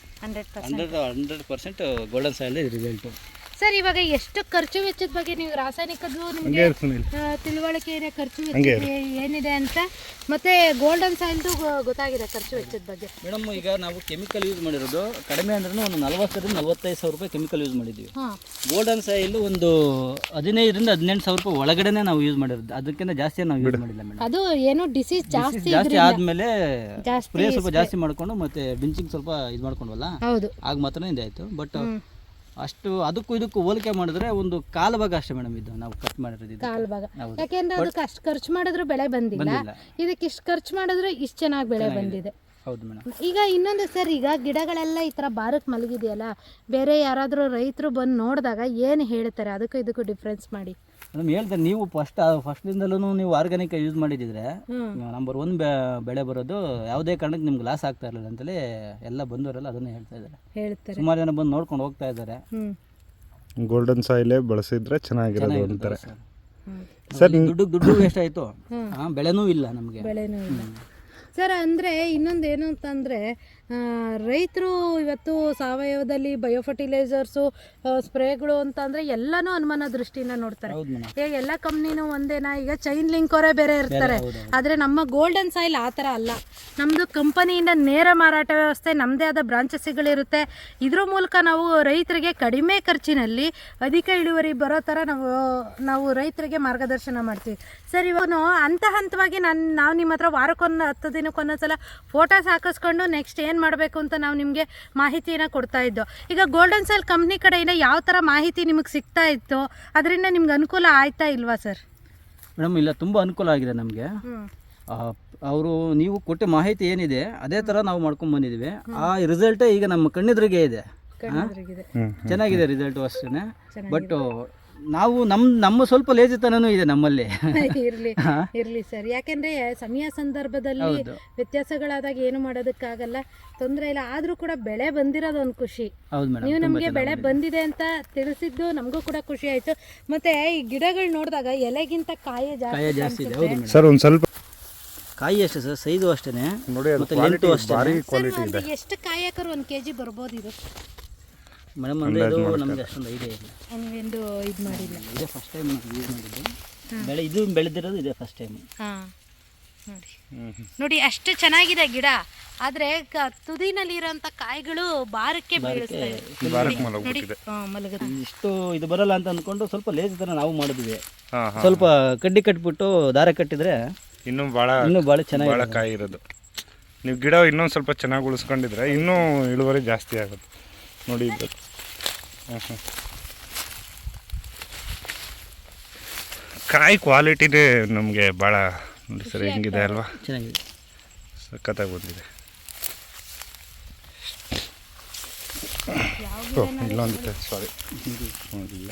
[SPEAKER 3] 100% golden soil result.
[SPEAKER 1] Sir, ಇವಾಗ ಎಷ್ಟು ಖರ್ಚು ವೆಚ್ಚದ ಬಗ್ಗೆ ನೀವು ರಾಸಾಯನಿಕದ್ದು ನಿಮಗೆ ತಿಳುವಳಿಕೆ ಇದೆ, ಖರ್ಚು ವೆಚ್ಚ ಏನಿದೆ ಅಂತ, ಮತ್ತೆ ಗೋಲ್ಡನ್ ಸಾಯಿಲ್ದು ಗೊತ್ತಾಗಿದೆ ಖರ್ಚು ವೆಚ್ಚದ ಬಗ್ಗೆ.
[SPEAKER 3] ಮೇಡಮ್, ಈಗ ನಾವು ಕೆಮಿಕಲ್ ಯೂಸ್ ಮಾಡಿರೋದು ಕಡಿಮೆ ಅಂದ್ರೆ ಒಂದು 40,000 ರಿಂದ 45,000 ರೂಪಾಯಿ ಕೆಮಿಕಲ್ ಯೂಸ್ ಮಾಡಿದ್ವಿ. ಗೋಲ್ಡನ್ ಸಾಯಿಲ್ ಒಂದು 15,000 ರಿಂದ 18,000 ರೂಪಾಯಿ ಒಳಗಡೆನೆ ನಾವು ಯೂಸ್ ಮಾಡಿರೋದು. ಅದಕ್ಕಿಂತ ಜಾಸ್ತಿ ನಾವು ಯೂಸ್ ಮಾಡಿಲ್ಲ ಮೇಡಮ್.
[SPEAKER 1] ಅದು ಏನು ಡಿಸೀಸ್ ಜಾಸ್ತಿ
[SPEAKER 3] ಆದ್ಮೇಲೆ ಸ್ಪ್ರೇ ಸ್ವಲ್ಪ ಜಾಸ್ತಿ ಮಾಡ್ಕೊಂಡು ಮತ್ತೆ ಡ್ರಿಂಚಿಂಗ್ ಸ್ವಲ್ಪ ಇದು ಮಾಡ್ಕೊಂಡ್ವಲ್ಲ, ಆಗ ಮಾತ್ರ ಇದಾಯ್ತು. ಬಟ್ ಅಷ್ಟು ಅದಕ್ಕೂ ಇದಕ್ಕೂ ಹೋಲಿಕೆ ಮಾಡಿದ್ರೆ ಒಂದು ಕಾಲು ಭಾಗ ಅಷ್ಟೇ ಮೇಡಮ್ ಇದು ನಾವು ಖರ್ಚು ಮಾಡಿರೋದು.
[SPEAKER 1] ಕಾಲು ಭಾಗ. ಯಾಕೆಂದ್ರೆ ಅದಕ್ಕೆ ಅಷ್ಟು ಖರ್ಚು ಮಾಡಿದ್ರು ಬೆಳೆ ಬಂದಿಲ್ಲ, ಇದಕ್ಕೆ ಇಷ್ಟು ಖರ್ಚು ಮಾಡಿದ್ರೆ ಇಷ್ಟು ಚೆನ್ನಾಗಿ ಬೆಳೆ ಬಂದಿದೆ.
[SPEAKER 3] ಹೌದು ಮೇಡಮ್.
[SPEAKER 1] ಈಗ ಇನ್ನೊಂದು ಸರ್, ಈಗ ಗಿಡಗಳೆಲ್ಲ ಈ ಥರ ಬಾರಕ್ಕೆ ಮಲಗಿದೆಯಲ್ಲ, ಬೇರೆ ಯಾರಾದರೂ ರೈತರು ಬಂದು ನೋಡಿದಾಗ ಏನು ಹೇಳ್ತಾರೆ? ಅದಕ್ಕೂ ಇದಕ್ಕೂ ಡಿಫ್ರೆನ್ಸ್ ಮಾಡಿ
[SPEAKER 3] ಮೇಡಮ್. ಹೇಳ್ತಾರೆ, ನೀವು ಫಸ್ಟ್ಲಿಂದಲೂ ನೀವು ಆರ್ಗ್ಯಾನಿಕ್ ಯೂಸ್ ಮಾಡಿದ್ರೆ ನಂಬರ್ 1 ಬೆಳೆ ಬರೋದು. ಯಾವುದೇ ಕಾರಣಕ್ಕೆ ನಿಮ್ಗೆ ಲಾಸ್ ಆಗ್ತಾ ಇರಲಿಲ್ಲ ಅಂತಲೇ ಎಲ್ಲ ಬಂದವರೆಲ್ಲ ಅದನ್ನೇ ಹೇಳ್ತಾರೆ. ಸುಮಾರು ಜನ ಬಂದು ನೋಡ್ಕೊಂಡು ಹೋಗ್ತಾ ಇದ್ದಾರೆ.
[SPEAKER 2] ಗೋಲ್ಡನ್ ಸಾಯಿಲೇ ಬಳಸಿದ್ರೆ ಚೆನ್ನಾಗಿರೋದು ಅಂತಾರೆ
[SPEAKER 3] ಸರ್. ದುಡ್ಡು ವೇಸ್ಟ್ ಆಯಿತು, ಬೆಳೆನೂ ಇಲ್ಲ ನಮಗೆ.
[SPEAKER 1] ಬೆಳೆನೂ ಇಲ್ಲ ಸರ್. ಅಂದರೆ ಇನ್ನೊಂದು ಏನು ಅಂತಂದರೆ, ರೈತರು ಇವತ್ತು ಸಾವಯವದಲ್ಲಿ ಬಯೋಫರ್ಟಿಲೈಸರ್ಸು ಸ್ಪ್ರೇಗಳು ಅಂತಂದರೆ ಎಲ್ಲನೂ ಅನುಮಾನ ದೃಷ್ಟಿಯಿಂದ ನೋಡ್ತಾರೆ. ಈಗ ಎಲ್ಲ ಕಂಪ್ನಿನೂ ಒಂದೇನಾ? ಈಗ ಚೈನ್ ಲಿಂಕ್ ಅವರೇ ಬೇರೆ ಇರ್ತಾರೆ. ಆದರೆ ನಮ್ಮ ಗೋಲ್ಡನ್ ಸಾಯಿಲ್ ಆ ಥರ ಅಲ್ಲ. ನಮ್ಮದು ಕಂಪನಿಯಿಂದ ನೇರ ಮಾರಾಟ ವ್ಯವಸ್ಥೆ, ನಮ್ಮದೇ ಆದ ಬ್ರಾಂಚಸ್ಗಳಿರುತ್ತೆ. ಇದ್ರ ಮೂಲಕ ನಾವು ರೈತರಿಗೆ ಕಡಿಮೆ ಖರ್ಚಿನಲ್ಲಿ ಅಧಿಕ ಇಳುವರಿ ಬರೋ ಥರ ನಾವು ರೈತರಿಗೆ ಮಾರ್ಗದರ್ಶನ ಮಾಡ್ತೀವಿ ಸರ್. ಇವಾಗ ಹಂತವಾಗಿ ನಾವು ನಿಮ್ಮ ಹತ್ರ ವಾರಕ್ಕೊಂದು 10 ದಿನಕ್ಕೊಂದೊಂದ್ಸಲ ಫೋಟೋಸ್ ಹಾಕಿಸ್ಕೊಂಡು ನೆಕ್ಸ್ಟ್ ಏನು ಮಾಡಬೇಕು ಅಂತ ನಾವು ನಿಮಗೆ ಮಾಹಿತಿಯನ್ನು ಕೊಡ್ತಾ ಇದ್ದೋ. ಈಗ ಗೋಲ್ಡನ್ ಸಾಯಿಲ್ ಕಂಪ್ನಿ ಕಡೆಯಿಂದ ಯಾವ ಥರ ಮಾಹಿತಿ ನಿಮಗೆ ಸಿಗ್ತಾ ಇತ್ತು? ಅದರಿಂದ ನಿಮ್ಗೆ ಅನುಕೂಲ ಆಯ್ತಾ ಇಲ್ವಾ ಸರ್?
[SPEAKER 3] ಮೇಡಮ್, ಇಲ್ಲ, ತುಂಬ ಅನುಕೂಲ ಆಗಿದೆ ನಮಗೆ. ಅವರು ನೀವು ಕೊಟ್ಟ ಮಾಹಿತಿ ಏನಿದೆ ಅದೇ ಥರ ನಾವು ಮಾಡ್ಕೊಂಡು ಬಂದಿದ್ದೀವಿ. ಆ ರಿಸಲ್ಟೇ ಈಗ ನಮ್ಮ ಕಣ್ಣೆದುರಿಗೆ ಇದೆ. ಚೆನ್ನಾಗಿದೆ ರಿಸಲ್ಟು ಅಷ್ಟೇ. ಬಟ್ ನಾವು ನಮ್ಮ ಸ್ವಲ್ಪ ಲೇಜಿತನೂ ಇದೆ ನಮ್ಮಲ್ಲಿ.
[SPEAKER 1] ಇರಲಿ ಸರ್, ಯಾಕೆಂದರೆ ಸಮಯ ಸಂದರ್ಭದಲ್ಲಿ ವ್ಯತ್ಯಾಸಗಳಾದಾಗ ಏನು ಮಾಡೋದಕ್ಕಾಗಲ್ಲ, ತೊಂದರೆ ಇಲ್ಲ. ಆದರೂ ಕೂಡ ಬೆಳೆ ಬಂದಿರೋದು ಒಂದು ಖುಷಿ. ನೀವು ನಮಗೆ ಬೆಳೆ ಬಂದಿದೆ ಅಂತ ತಿಳಿಸಿದ್ದು ನಮಗೂ ಕೂಡ ಖುಷಿ ಆಯಿತು. ಮತ್ತು ಈ ಗಿಡಗಳು ನೋಡಿದಾಗ ಎಲೆಗಿಂತ ಕಾಯಿ ಜಾಸ್ತಿ ಇದೆ
[SPEAKER 2] ಸರ್. ಒಂದು ಸ್ವಲ್ಪ
[SPEAKER 3] ಕಾಯಿ ಅಷ್ಟೇ ಸರ್, ಸೈಜು ಅಷ್ಟೇ
[SPEAKER 2] ನೋಡಿ.
[SPEAKER 1] ಎಷ್ಟು ಕಾಯಿ ಹಾಕೋರು 1 kg ಬರ್ಬೋದು ಇದು
[SPEAKER 3] ಮೇಡಮ್? ಅಂದರೆ ಇದು ನಮಗೆ ಅಷ್ಟೊಂದು ಐಡಿಯಾ ಇಲ್ಲ.
[SPEAKER 1] ನೀವೆಂದು ಇದು ಮಾಡಿಲ್ಲ?
[SPEAKER 3] ಇದೇ ಫಸ್ಟ್ ಟೈಮ್ ಯೂಸ್ ಮಾಡಿದ್ದು. ಇದು ಬೆಳೆದಿರೋದು ಇದೇ ಫಸ್ಟ್ ಟೈಮ್.
[SPEAKER 1] ನೋಡಿ ಎಷ್ಟು ಚೆನ್ನಾಗಿದೆ ಗಿಡ. ಆದರೆ ತುದಿನಲ್ಲಿರೋಂಥ ಕಾಯಿಗಳು ಬಾರಕ್ಕೆ ಬೀಳಿಸ್ತವೆ.
[SPEAKER 3] ಇಷ್ಟು ಇದು ಬರಲ್ಲ ಅಂತ ಅಂದ್ಕೊಂಡು ಸ್ವಲ್ಪ ಲೇಜ್ ಥರ ನಾವು ಮಾಡಿದ್ವಿ. ಸ್ವಲ್ಪ ಕಡ್ಡಿ ಕಟ್ಬಿಟ್ಟು ದಾರ ಕಟ್ಟಿದ್ರೆ
[SPEAKER 2] ಇನ್ನೂ ಭಾಳ ಚೆನ್ನಾಗಿ ಕಾಯಿ ಇರೋದು. ನೀವು ಗಿಡ ಇನ್ನೊಂದು ಸ್ವಲ್ಪ ಚೆನ್ನಾಗಿ ಉಳಿಸ್ಕೊಂಡಿದ್ರೆ ಇನ್ನೂ ಇಳುವರಿ ಜಾಸ್ತಿ ಆಗುತ್ತೆ ನೋಡಿ ಇದು. ಹಾಂ ಕಾಯಿ ಕ್ವಾಲಿಟಿನೇ ನಮಗೆ ಭಾಳ ನೋಡಿ ಸರ್ ಹೆಂಗಿದೆ ಅಲ್ವಾ,
[SPEAKER 3] ಚೆನ್ನಾಗಿದೆ,
[SPEAKER 2] ಸಖತ್ತಾಗಿ ಬಂದಿದೆ. ಇಲ್ಲೊಂದಿದೆ ಸಾರಿ ನೋಡಿಲ್ಲ.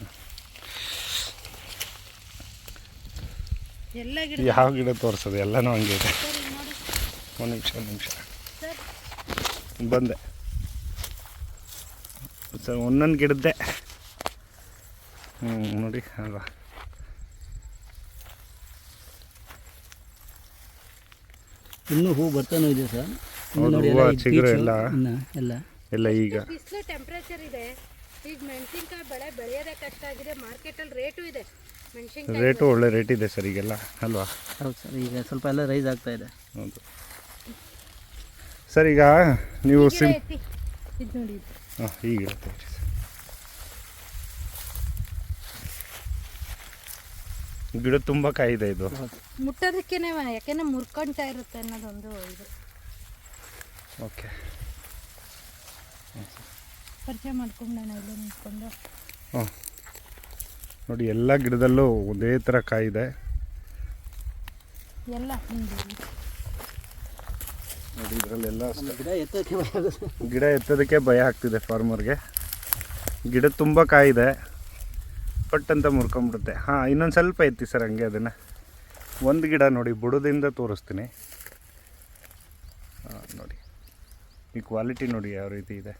[SPEAKER 2] ಯಾವ ಗಿಡ ತೋರಿಸೋದು ಎಲ್ಲನೂ ಹಂಗೆ ಇದೆ. ಒಂದು ನಿಮಿಷ ಬಂದೆ ಸರ್, ಒಂದೊಂದು ಗಿಡದ್ದೆ. ನೋಡಿ ಅಲ್ವಾ,
[SPEAKER 3] ಇನ್ನೂ ಹೂ ಬರ್ತಾನೂ ಇದೆ ಸರ್.
[SPEAKER 2] ಹೂವು ಚಿಗುರು ಎಲ್ಲ
[SPEAKER 3] ಎಲ್ಲ
[SPEAKER 2] ಎಲ್ಲ ಈಗ
[SPEAKER 1] ಬಿಸಿಲು ಟೆಂಪ್ರೇಚರ್ ಇದೆ. ಈಗ ಮೆಣಸಿನ್ಕಾಯಿ ಬೆಳೆಯೋದೇ ಕಷ್ಟ ಆಗಿದೆ. ಮಾರ್ಕೆಟಲ್ಲಿ ರೇಟು ಇದೆ, ಮೆಣಸಿನ್ಕಾಯಿ
[SPEAKER 2] ರೇಟು ಒಳ್ಳೆ ರೇಟ್ ಇದೆ ಸರ್ ಈಗೆಲ್ಲ ಅಲ್ವಾ.
[SPEAKER 3] ಹೌದು ಸರ್, ಈಗ ಸ್ವಲ್ಪ ಎಲ್ಲ ರೈಸ್ ಆಗ್ತಾ ಇದೆ.
[SPEAKER 2] ಹೌದು ಸರ್, ಈಗ ನೀವು
[SPEAKER 1] ಇದು ನೋಡಿ ಇದು.
[SPEAKER 2] ಹಾಂ ಈಗಿರುತ್ತೆ ಸರ್. ಗಿಡ ತುಂಬ ಕಾಯಿದೆ ಇದು.
[SPEAKER 1] ಮುಟ್ಟೋದಕ್ಕೇನೆ ಯಾಕೆಂದ್ರೆ ಮುರ್ಕೊಂತಾ ಇರುತ್ತೆ ಅನ್ನೋದೊಂದು ಇದು.
[SPEAKER 2] ಓಕೆ,
[SPEAKER 1] ಪರಿಚಯ ಮಾಡ್ಕೊಂಡೋಣ ಇಲ್ಲಿ ನಿಂತ್ಕೊಂಡು.
[SPEAKER 2] ಹಾಂ ನೋಡಿ, ಎಲ್ಲ ಗಿಡದಲ್ಲೂ ಒಂದೇ ಥರ ಕಾಯಿದೆ
[SPEAKER 1] ಎಲ್ಲ
[SPEAKER 2] ನೋಡಿ. ಇದರಲ್ಲೆಲ್ಲ
[SPEAKER 3] ಗಿಡ ಎತ್ತೋಕ್ಕೆ ಭಯ ಆಗುತ್ತೆ.
[SPEAKER 2] ಗಿಡ ಎತ್ತೋದಕ್ಕೆ ಭಯ ಆಗ್ತಿದೆ ಫಾರ್ಮರ್ಗೆ. ಗಿಡ ತುಂಬ ಕಾಯಿದೆ, ಪಟ್ ಅಂತ ಮುರ್ಕೊಂಬಿಡುತ್ತೆ. ಹಾಂ, ಇನ್ನೊಂದು ಸ್ವಲ್ಪ ಎತ್ತಿ ಸರ್ ಹಂಗೆ ಅದನ್ನು. ಒಂದು ಗಿಡ ನೋಡಿ ಬುಡದಿಂದ ತೋರಿಸ್ತೀನಿ. ಹಾಂ ನೋಡಿ, ಈ ಕ್ವಾಲಿಟಿ ನೋಡಿ ಯಾವ ರೀತಿ ಇದೆ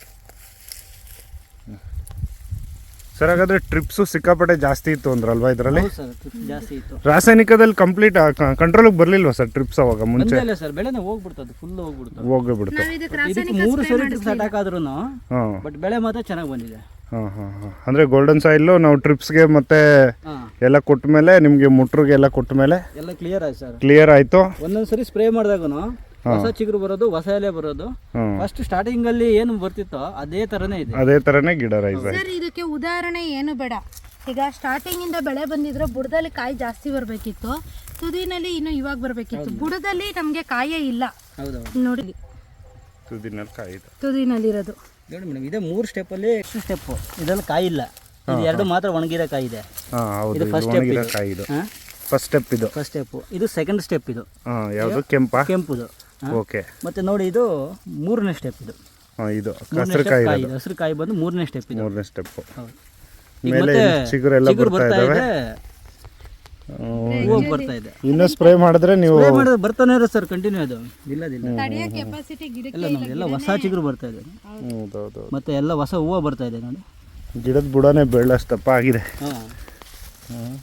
[SPEAKER 2] ಸರ್. ಹಾಗಾದರೆ ಟ್ರಿಪ್ಸು ಸಿಕ್ಕಾಪಟ್ಟೆ ಜಾಸ್ತಿ ಇತ್ತು ಅಂದ್ರಲ್ವಾ ಇದರಲ್ಲಿ?
[SPEAKER 3] ಜಾಸ್ತಿ ಇತ್ತು.
[SPEAKER 2] ರಾಸಾಯನಿಕದಲ್ಲಿ ಕಂಪ್ಲೀಟ್ ಕಂಟ್ರೋಲಿಗೆ ಬರಲಿಲ್ವಾ ಸರ್ ಟ್ರಿಪ್ಸ್ ಅವಾಗ ಮುಂಚೆ?
[SPEAKER 3] ಇಲ್ಲ ಸರ್, ಬೆಳೆನೇ ಹೋಗ್ಬಿಡ್ತದೆ, ಫುಲ್ ಹೋಗ್ಬಿಡ್ತದೆ.
[SPEAKER 2] ಹೋಗ್ಬಿಡುತ್ತೆ.
[SPEAKER 3] ಇದಕ್ಕೆ 3 ಸರಿ ಸ್ಟಾರ್ಟ್ ಆದ್ರೂ
[SPEAKER 2] ಹಾಂ,
[SPEAKER 3] ಬಟ್ ಬೆಳೆ ಮಾತ್ರ ಚೆನ್ನಾಗಿ ಬಂದಿದೆ.
[SPEAKER 2] ಹಾಂ ಹಾಂ ಹಾಂ. ಅಂದರೆ ಗೋಲ್ಡನ್ ಸಾಯಿಲು ನಾವು ಟ್ರಿಪ್ಸ್ಗೆ ಮತ್ತೆ ಎಲ್ಲ ಕೊಟ್ಟ ಮೇಲೆ ನಿಮಗೆ ಮುಟ್ರಿಗೆ ಎಲ್ಲ ಕೊಟ್ಟ ಮೇಲೆ
[SPEAKER 3] ಎಲ್ಲ ಕ್ಲಿಯರ್ ಆಯ್ತು ಸರ್.
[SPEAKER 2] ಕ್ಲಿಯರ್ ಆಯಿತು.
[SPEAKER 3] ಒಂದೊಂದ್ಸರಿ ಸ್ಪ್ರೇ ಮಾಡಿದಾಗೂ ಹೊಸ ಚಿಗುರು ಬರೋದು, ಹೊಸ ಎಲೆ ಬರೋದು. ಫಸ್ಟ್ ಸ್ಟಾರ್ಟಿಂಗ್ ಅಲ್ಲಿ ಏನು ಬರ್ತಿತ್ತೋ ಅದೇ ತರನೇ ಇದೆ,
[SPEAKER 2] ಅದೇ ತರನೇ ಗಿಡ ರೈಸ್ ಆಯ್ತು.
[SPEAKER 1] ಸರ್ ಇದಕ್ಕೆ ಉದಾಹರಣೆ ಏನು ಬೇಡ. ಈಗ ಸ್ಟಾರ್ಟಿಂಗ್ ಇಂದ ಬೆಳೆ ಬಂದಿದ್ರೆ ಬುಡದಲ್ಲಿ ಕಾಯಿ ಜಾಸ್ತಿ ಬರಬೇಕಿತ್ತು, ತುದಿನಲ್ಲಿ ಇನ್ನು ಇವಾಗ ಬರಬೇಕಿತ್ತು. ಬುಡದಲ್ಲಿ ನಮಗೆ ಕಾಯೇ ಇಲ್ಲ.
[SPEAKER 3] ಹೌದೌದು
[SPEAKER 1] ನೋಡಿ,
[SPEAKER 2] ತುದಿನಲ್ಲಿ ಕಾಯಿ ಇದೆ,
[SPEAKER 1] ತುದಿನಲ್ಲಿರೋದು
[SPEAKER 3] ನೋಡಿ ಮೇಡಮ್. ಇದೇ 3 ಸ್ಟೆಪ್ ಅಲ್ಲಿ ಸ್ಟೆಪ್ ಇದರಲ್ಲಿ ಕಾಯಿ ಇಲ್ಲ, ಇದು 2 ಮಾತ್ರ ಒಣಗಿರೋ ಕಾಯಿ ಇದೆ.
[SPEAKER 2] ಹಾಂ ಹೌದು,
[SPEAKER 3] ಇದು ಫಸ್ಟ್
[SPEAKER 2] ಒಣಗಿರೋ ಕಾಯಿ ಇದು ಫಸ್ಟ್ ಸ್ಟೆಪ್. ಇದು
[SPEAKER 3] ಫಸ್ಟ್ ಸ್ಟೆಪ್. ಇದು ಸೆಕೆಂಡ್ ಸ್ಟೆಪ್. ಇದು
[SPEAKER 2] ಯಾವುದು
[SPEAKER 3] ಕೆಂಪುದು.
[SPEAKER 2] ಓಕೆ.
[SPEAKER 3] ಮತ್ತೆ ನೋಡಿ ಇದು 3ನೇ ಸ್ಟೆಪ್. ಇದು
[SPEAKER 2] ಇದು ಹಸಿರು ಕಾಯಿ,
[SPEAKER 3] ಹಸಿರು ಕಾಯಿ ಬಂದು 3ನೇ ಸ್ಟೆಪ್. ಇದು
[SPEAKER 2] 3ನೇ ಸ್ಟೆಪ್.
[SPEAKER 3] ಹೌದು.
[SPEAKER 2] ಮೇಲೆ ಚಿಗುರೆಲ್ಲ ಬರ್ತಾ ಇದಾವೆ,
[SPEAKER 3] ಹೂವು ಬರ್ತಾ ಇದೆ.
[SPEAKER 2] ಇನ್ನು ಸ್ಪ್ರೇ ಮಾಡಿದ್ರೆ ನೀವು
[SPEAKER 3] ಬರ್ತಾನೆ ಇರೋ ಸರ್ ಕಂಟಿನ್ಯೂ. ಅದು ಇಲ್ಲದಿಲ್ಲ
[SPEAKER 1] ತಡೆಯೋ ಕೆಪಾಸಿಟಿ ಗಿಡಕ್ಕೆ
[SPEAKER 3] ಎಲ್ಲ ನೋಡಿ, ಎಲ್ಲ ಹೊಸ ಚಿಗುರು ಬರ್ತಾ ಇದೆ.
[SPEAKER 2] ಹೌದೌದು.
[SPEAKER 3] ಮತ್ತೆ ಎಲ್ಲ ಹೊಸ ಹೂವು ಬರ್ತಾ ಇದೆ ನೋಡಿ.
[SPEAKER 2] ಗಿಡದ ಬುಡನೇ ಬೆಳ್ಳಷ್ಟಪ್ಪ ಆಗಿದೆ.
[SPEAKER 3] ಹಾಂ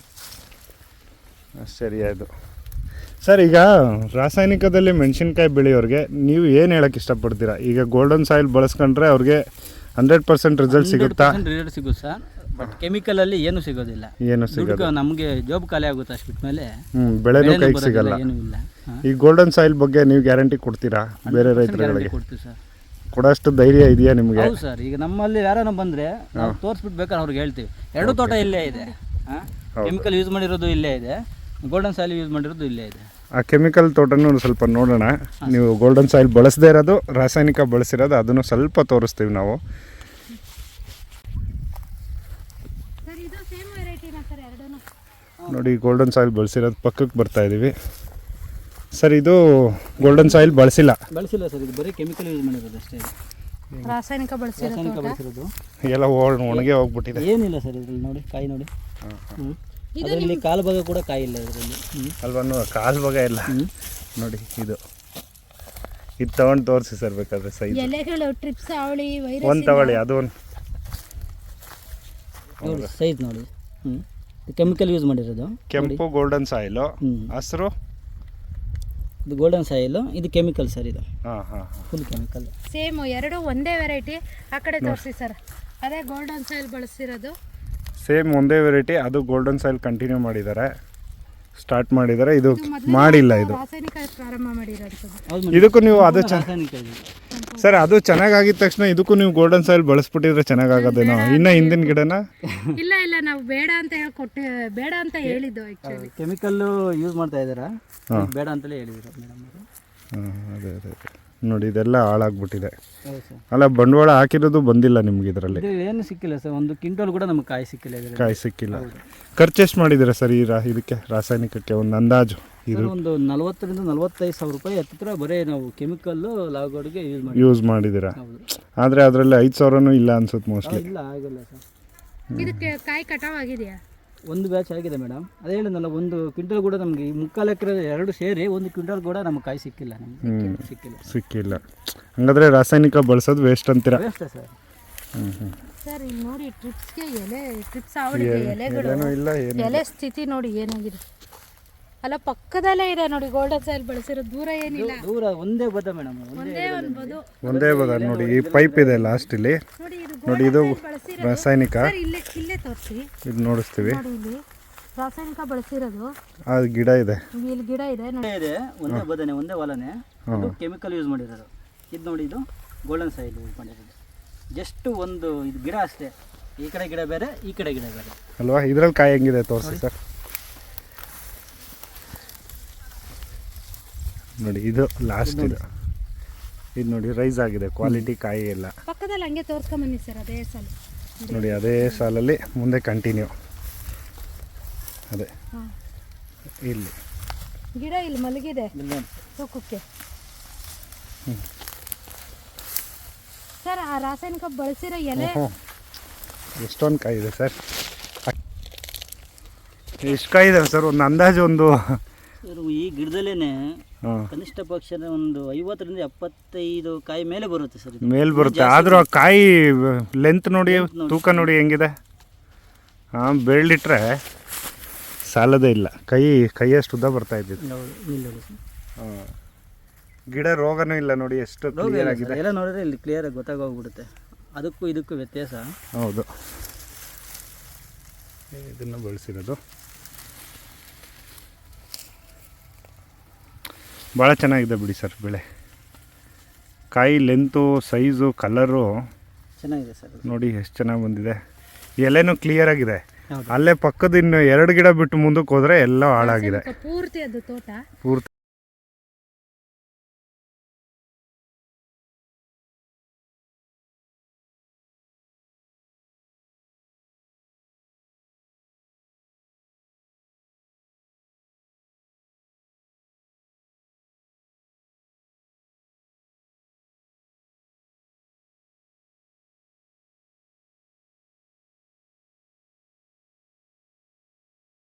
[SPEAKER 2] ಸರಿ ಆಯಿತು ಸರ್. ಈಗ ರಾಸಾಯನಿಕದಲ್ಲಿ ಮೆಣಸಿನ್ಕಾಯಿ ಬೆಳೆಯೋರಿಗೆ ನೀವು ಏನು ಹೇಳಕ್ಕೆ ಇಷ್ಟಪಡ್ತೀರಾ? ಈಗ ಗೋಲ್ಡನ್ ಸಾಯಿಲ್ ಬಳಸ್ಕೊಂಡ್ರೆ ಅವ್ರಿಗೆ 100% ರಿಸಲ್ಟ್ ಸಿಗುತ್ತಾ?
[SPEAKER 3] ರಿಸಲ್ಟ್ ಸಿಗುತ್ತೆ ಸರ್, ಬಟ್ ಕೆಮಿಕಲ್ ಅಲ್ಲಿ ಏನು ಸಿಗೋದಿಲ್ಲ.
[SPEAKER 2] ಏನು ಸಿಗೋದು,
[SPEAKER 3] ನಮಗೆ ಜಾಬ್ ಖಾಲಿ ಆಗುತ್ತೆ ಅಷ್ಟು ಬಿಟ್ಮೇಲೆ
[SPEAKER 2] ಬೆಳೆನೂ ಕೈಗೆ ಸಿಗಲ್ಲ.
[SPEAKER 3] ಏನೂ ಇಲ್ಲ.
[SPEAKER 2] ಈ ಗೋಲ್ಡನ್ ಸಾಯಿಲ್ ಬಗ್ಗೆ ನೀವು ಗ್ಯಾರಂಟಿ ಕೊಡ್ತೀರಾ ಬೇರೆ ರೈತರುಗಳಿಗೆ?
[SPEAKER 3] ಕೊಡ್ತೀವಿ ಸರ್.
[SPEAKER 2] ಕೊಡೋಷ್ಟು ಧೈರ್ಯ ಇದೆಯಾ ನಿಮಗೆ?
[SPEAKER 3] ಹೌದು ಸರ್. ಈಗ ನಮ್ಮಲ್ಲಿ ಯಾರನ್ನ ಬಂದರೆ ನಾವು ತೋರಿಸ್ಬಿಟ್ಟು ಬೇಕಾದ್ರೆ ಅವ್ರಿಗೆ ಹೇಳ್ತೀವಿ, 2 ತೋಟ ಇಲ್ಲೇ ಇದೆ. ಕೆಮಿಕಲ್ ಯೂಸ್ ಮಾಡಿರೋದು ಇಲ್ಲೇ ಇದೆ, ಗೋಲ್ಡನ್ ಸಾಯಿಲ್ ಯೂಸ್ ಮಾಡಿರೋದು ಇಲ್ಲೇ ಇದೆ.
[SPEAKER 2] ಆ ಕೆಮಿಕಲ್ ತೋಟನೂ ಸ್ವಲ್ಪ ನೋಡೋಣ. ನೀವು ಗೋಲ್ಡನ್ ಸಾಯಿಲ್ ಬಳಸದೇ ಇರೋದು, ರಾಸಾಯನಿಕ ಬಳಸಿರೋದು, ಅದನ್ನು ಸ್ವಲ್ಪ ತೋರಿಸ್ತೀವಿ ನಾವು. ನೋಡಿ, ಗೋಲ್ಡನ್ ಸಾಯಿಲ್ ಬಳಸಿರೋದು ಪಕ್ಕಕ್ಕೆ ಬರ್ತಾ ಇದ್ದೀವಿ ಸರ್. ಇದು ಗೋಲ್ಡನ್ ಸಾಯಿಲ್ ಬಳಸಿಲ್ಲ
[SPEAKER 3] ಸರ್, ಇದು ಬರೀ ಕೆಮಿಕಲ್ ಯೂಸ್ ಮಾಡಿರೋದು ಅಷ್ಟೇ.
[SPEAKER 1] ರಾಸಾಯನಿಕ
[SPEAKER 3] ಬಳಸಿರೋದು
[SPEAKER 2] ಎಲ್ಲ ಒಣಗೆ ಹೋಗ್ಬಿಟ್ಟಿದೆ.
[SPEAKER 3] ಏನಿಲ್ಲ ಸರ್ ಇದರಲ್ಲಿ. ನೋಡಿ ಕಾಯಿ ನೋಡಿ, ಅದರಲ್ಲಿ ಕಾಲು ಭಾಗ ಕೂಡ ಕಾಯಿ ಇಲ್ಲ ಇದರಲ್ಲಿ
[SPEAKER 2] ಅಲ್ವಾ? ಕಾಲು ಭಾಗ ಇಲ್ಲ ನೋಡಿ. ಇದು ತಗೊಂಡು ತೋರಿಸಿ ಸರ್ ಬೇಕಾದ್ರೆ ಸೈಜ್.
[SPEAKER 1] ಎಲೆಗಳು ಟ್ರಿಪ್ಸ್ ಅವಳಿ
[SPEAKER 2] ಒಂದು ತಗೊಳ್ಳಿ, ಅದು ಒಂದು
[SPEAKER 3] ಸೈಜ್ ನೋಡಿ. ಕೆಮಿಕಲ್ ಯೂಸ್ ಮಾಡಿರೋದು.
[SPEAKER 2] ಕೆಂಪು ಗೋಲ್ಡನ್ ಸಾಯಿಲು, ಹಸಿರು
[SPEAKER 3] ಇದು ಗೋಲ್ಡನ್ ಸಾಯಿಲು, ಇದು ಕೆಮಿಕಲ್ ಸರ್. ಇದು ಫುಲ್ ಕೆಮಿಕಲ್.
[SPEAKER 1] ಸೇಮ್ ಎರಡು ಒಂದೇ ವೆರೈಟಿ. ಆ ಕಡೆ ತೋರಿಸಿ ಸರ್, ಅದೇ ಗೋಲ್ಡನ್ ಸಾಯಿಲ್ ಬಳಸಿರೋದು.
[SPEAKER 2] ಸೇಮ್ ಒಂದೇ ವೆರೈಟಿ, ಅದು ಗೋಲ್ಡನ್ ಸಾಯಿಲ್ ಕಂಟಿನ್ಯೂ ಮಾಡಿದ್ದಾರೆ, ಸ್ಟಾರ್ಟ್ ಮಾಡಿದ್ದಾರೆ. ಇದು ಮಾಡಿಲ್ಲ, ಇದು
[SPEAKER 1] ರಾಸಾಯನಿಕ ಪ್ರಾರಂಭ ಮಾಡಿರೋದು.
[SPEAKER 2] ಇದಕ್ಕೂ ನೀವು ಅದು ಸರ್, ಅದು ಚೆನ್ನಾಗಿದ್ದ ತಕ್ಷಣ ಇದಕ್ಕೂ ನೀವು ಗೋಲ್ಡನ್ ಸಾಯಿಲ್ ಬಳಸ್ಬಿಟ್ಟಿದ್ರೆ ಚೆನ್ನಾಗಾಗೋದೇನೋ. ಇನ್ನು ಹಿಂದಿನ ಗಿಡನ
[SPEAKER 1] ಇಲ್ಲ ಇಲ್ಲ, ನಾವು ಬೇಡ ಅಂತ ಹೇಳ್ಕೊಟ್ಟು ಬೇಡ ಅಂತ ಹೇಳಿದ್ದು. ಆ್ಯಕ್ಚುಲಿ
[SPEAKER 3] ಕೆಮಿಕಲ್ ಯೂಸ್ ಮಾಡ್ತಾ ಇದ್ದಾರಾ? ಬೇಡ ಅಂತಲೇ ಹೇಳಿದ್ರು ಮೇಡಮ್ ಅವರು.
[SPEAKER 2] ಹಾಂ ಅದೇ ಅದೇ ಅದೇ ನೋಡಿ ಇದೆಲ್ಲ ಹಾಳಾಗ್ಬಿಟ್ಟಿದೆ.
[SPEAKER 3] ಹೌದು ಸರ್.
[SPEAKER 2] ಅಲ್ಲ ಬಂಡವಾಳ ಹಾಕಿರೋದು ಬಂದಿಲ್ಲ ನಿಮ್ಗೆ ಇದರಲ್ಲಿ?
[SPEAKER 3] ಇದು ಏನು ಸಿಕ್ಕಿಲ್ಲ ಸರ್, ಒಂದು ಕ್ವಿಂಟಲ್ ಕೂಡ ನಮಗೆ ಕಾಯಿ ಸಿಕ್ಕಿಲ್ಲ ಇದರಲ್ಲಿ.
[SPEAKER 2] ಕಾಯಿ ಸಿಕ್ಕಿಲ್ಲ. ಖರ್ಚು ಎಷ್ಟು ಮಾಡಿದ್ದೀರಾ ಸರ್ ಈ ಇದಕ್ಕೆ ರಾಸಾಯನಿಕಕ್ಕೆ ಒಂದು ಅಂದಾಜು?
[SPEAKER 3] ಸರ್ ಒಂದು 40,000 ರಿಂದ 45,000 ರೂಪಾಯಿ ಹತ್ತಿರ ಬರೀ ನಾವು ಕೆಮಿಕಲ್ಲು ಲಾಗೋಡ್ಗೆ
[SPEAKER 2] ಯೂಸ್ ಮಾಡಿದ್ದೀರಾ?
[SPEAKER 3] ಹೌದು.
[SPEAKER 2] ಆದರೆ ಅದರಲ್ಲಿ 5,000 ಇಲ್ಲ ಅನ್ಸುತ್ತೆ ಮೋಸ್ಟ್ಲಿ.
[SPEAKER 3] ಇಲ್ಲ ಆಗಿಲ್ಲ ಸರ್.
[SPEAKER 1] ಇದಕ್ಕೆ ಕಾಯಿ ಕಟಾವ್ ಆಗಿದೆಯಾ?
[SPEAKER 3] ಒಂದು ಬ್ಯಾಚ್ ಆಗಿದೆ ಮೇಡಮ್, ಅದೇ ಹೇಳಿದ್ನಲ್ಲ, ಒಂದು ಕ್ವಿಂಟಲ್ ಕೂಡ ನಮಗೆ ಈ 3/4 ಎಕರೆ ಎರಡು ಸೇರಿ ಒಂದು ಕ್ವಿಂಟಲ್ ಕೂಡ ನಮಗೆ ಕಾಯಿ ಸಿಕ್ಕಿಲ್ಲ, ನಮಗೆ
[SPEAKER 2] ಸಿಕ್ಕಿಲ್ಲ. ಹಂಗಾದ್ರೆ ರಾಸಾಯನಿಕ ಬಳಸೋದು ವೇಸ್ಟ್ ಅಂತೀರಾ?
[SPEAKER 3] Waste sir.
[SPEAKER 1] ಸರ್ ಇಲ್ಲಿ ನೋಡಿ ಟ್ರಿಪ್ಸ್ಗೆ ಟ್ರಿಪ್ಸ್ ಆವಡಿದೆ, ಎಲೆಗಳು
[SPEAKER 2] ಇಲ್ಲ
[SPEAKER 1] ಎಲೆ ಸ್ಥಿತಿ ನೋಡಿ ಏನಾಗಿದೆ. ಅಲ್ಲ ಪಕ್ಕದಲ್ಲೇ ಇದೆ ನೋಡಿ ಗೋಲ್ಡನ್ ಸಾಯಿಲ್ ಬಳಸಿರೋ, ದೂರ ಏನಿಲ್ಲ,
[SPEAKER 3] ದೂರ ಒಂದೇ ಬದ ಮೇಡಮ್,
[SPEAKER 1] ಒಂದೇ ಒಂದು ಬದು.
[SPEAKER 2] ಒಂದೇ ಬದ ನೋಡಿ. ಈ ಪೈಪ್ ಇದೆ ಲಾಸ್ಟ್ ಇಲ್ಲಿ ನೋಡಿ, ಇದು ರಾಸಾಯನಿಕ.
[SPEAKER 1] ಇಲ್ಲೇ ತೋರಿಸಿ,
[SPEAKER 2] ಇದು ನೋಡಿಸ್ತೀವಿ.
[SPEAKER 1] ನೋಡಿ ಇಲ್ಲಿ ರಾಸಾಯನಿಕ ಬಳಸಿರೋದು.
[SPEAKER 2] ಅದು ಗಿಡ ಇದೆ,
[SPEAKER 1] ಇಲ್ಲಿ ಗಿಡ ಇದೆ ನೋಡಿ.
[SPEAKER 3] ಇದೆ ಒಂದೇ ಬದನೆ, ಒಂದೇ ಹೊಲನೆ, ಇದು ಕೆಮಿಕಲ್ ಯೂಸ್ ಮಾಡಿರೋದು. ಇದು ನೋಡಿ, ಇದು ಗೋಲ್ಡನ್ ಸಾಯಿಲ್ ಯೂಸ್ ಮಾಡಿರೋದು. ಜಸ್ಟ್ ಒಂದು ಇದು ಗಿಡ ಅಷ್ಟೇ, ಈ ಕಡೆ ಗಿಡ ಬೇರೆ, ಈ ಕಡೆ ಗಿಡ ಬೇರೆ
[SPEAKER 2] ಅಲ್ವಾ? ಇದ್ರಲ್ಲಿ ಕಾಯಿ ಹೆಂಗಿದೆ ತೋರಿಸಿ ಸರ್. ನೋಡಿ ಇದು ಲಾಸ್ಟ್, ಇದು ನೋಡಿ ರೈಸ್ ಆಗಿದೆ, ಕ್ವಾಲಿಟಿ ಕಾಯಿ ಎಲ್ಲ.
[SPEAKER 1] ಪಕ್ಕದಲ್ಲಿ ಹಂಗೆ ತೋರಿಸ್ಕೊಂಬನ್ನಿ ಸರ್, ಅದೇ ಸಾಲ
[SPEAKER 2] ನೋಡಿ, ಅದೇ ಸಾಲಲ್ಲಿ ಮುಂದೆ ಕಂಟಿನ್ಯೂ. ಅದೇ ಇಲ್ಲಿ
[SPEAKER 1] ಗಿಡ ಇಲ್ಲಿ ಮಲಗಿದೆ ತೂಕಕ್ಕೆ. ಸರ್ ಆ ರಾಸಾಯನಿಕ ಬಳಸಿರೋ ಎಲೆ
[SPEAKER 2] ಎಷ್ಟೊಂದು ಕಾಯಿ ಇದೆ ಸರ್? ಎಷ್ಟು ಕಾಯಿ ಇದೆ ಸರ್? ಒಂದು ಅಂದಾಜು ಒಂದು
[SPEAKER 3] ಈ ಗಿಡದಲ್ಲೇನೆ ಕನಿಷ್ಠ ಪಕ್ಷ ಒಂದು 50 ರಿಂದ 75 ಕಾಯಿ ಮೇಲೆ ಬರುತ್ತೆ ಸರ್.
[SPEAKER 2] ಮೇಲೆ ಬರುತ್ತೆ, ಆದರೂ ಆ ಕಾಯಿ ಲೆಂತ್ ನೋಡಿ, ತೂಕ ನೋಡಿ ಹೆಂಗಿದೆ. ಹಾಂ, ಬೆಳ್ಳಿಟ್ರೆ ಸಾಲದೇ ಇಲ್ಲ. ಕೈಯಷ್ಟು ಉದ್ದ ಬರ್ತಾ ಇದ್ದಿದ್ದು. ಹಾಂ, ಗಿಡ ರೋಗನೂ ಇಲ್ಲ ನೋಡಿ, ಎಷ್ಟು ಕ್ಲಿಯರ್ ಆಗಿದೆ.
[SPEAKER 3] ಎಲ್ಲ ನೋಡಿದ್ರೆ ಇಲ್ಲಿ ಕ್ಲಿಯರ್ ಆಗಿ ಗೊತ್ತಾಗೋಗ್ಬಿಡುತ್ತೆ ಅದಕ್ಕೂ ಇದಕ್ಕೂ ವ್ಯತ್ಯಾಸ.
[SPEAKER 2] ಹೌದು, ಇದನ್ನು ಬಳಸಿರೋದು ಭಾಳ ಚೆನ್ನಾಗಿದೆ ಬಿಡಿ ಸರ್ ಬೆಳೆ. ಕಾಯಿ ಲೆಂತು, ಸೈಜು, ಕಲರು
[SPEAKER 3] ಚೆನ್ನಾಗಿದೆ ಸರ್.
[SPEAKER 2] ನೋಡಿ ಎಷ್ಟು ಚೆನ್ನಾಗಿ ಬಂದಿದೆ. ಎಲೆನೂ ಕ್ಲಿಯರ್ ಆಗಿದೆ. ಅಲ್ಲೇ ಪಕ್ಕದ ಇನ್ನು 2 ಗಿಡ ಬಿಟ್ಟು ಮುಂದಕ್ಕೆ ಹೋದರೆ ಎಲ್ಲ ಹಾಳಾಗಿದೆ.
[SPEAKER 1] ಪೂರ್ತಿ ಅದು ತೋಟ
[SPEAKER 2] ಪೂರ್ತಿ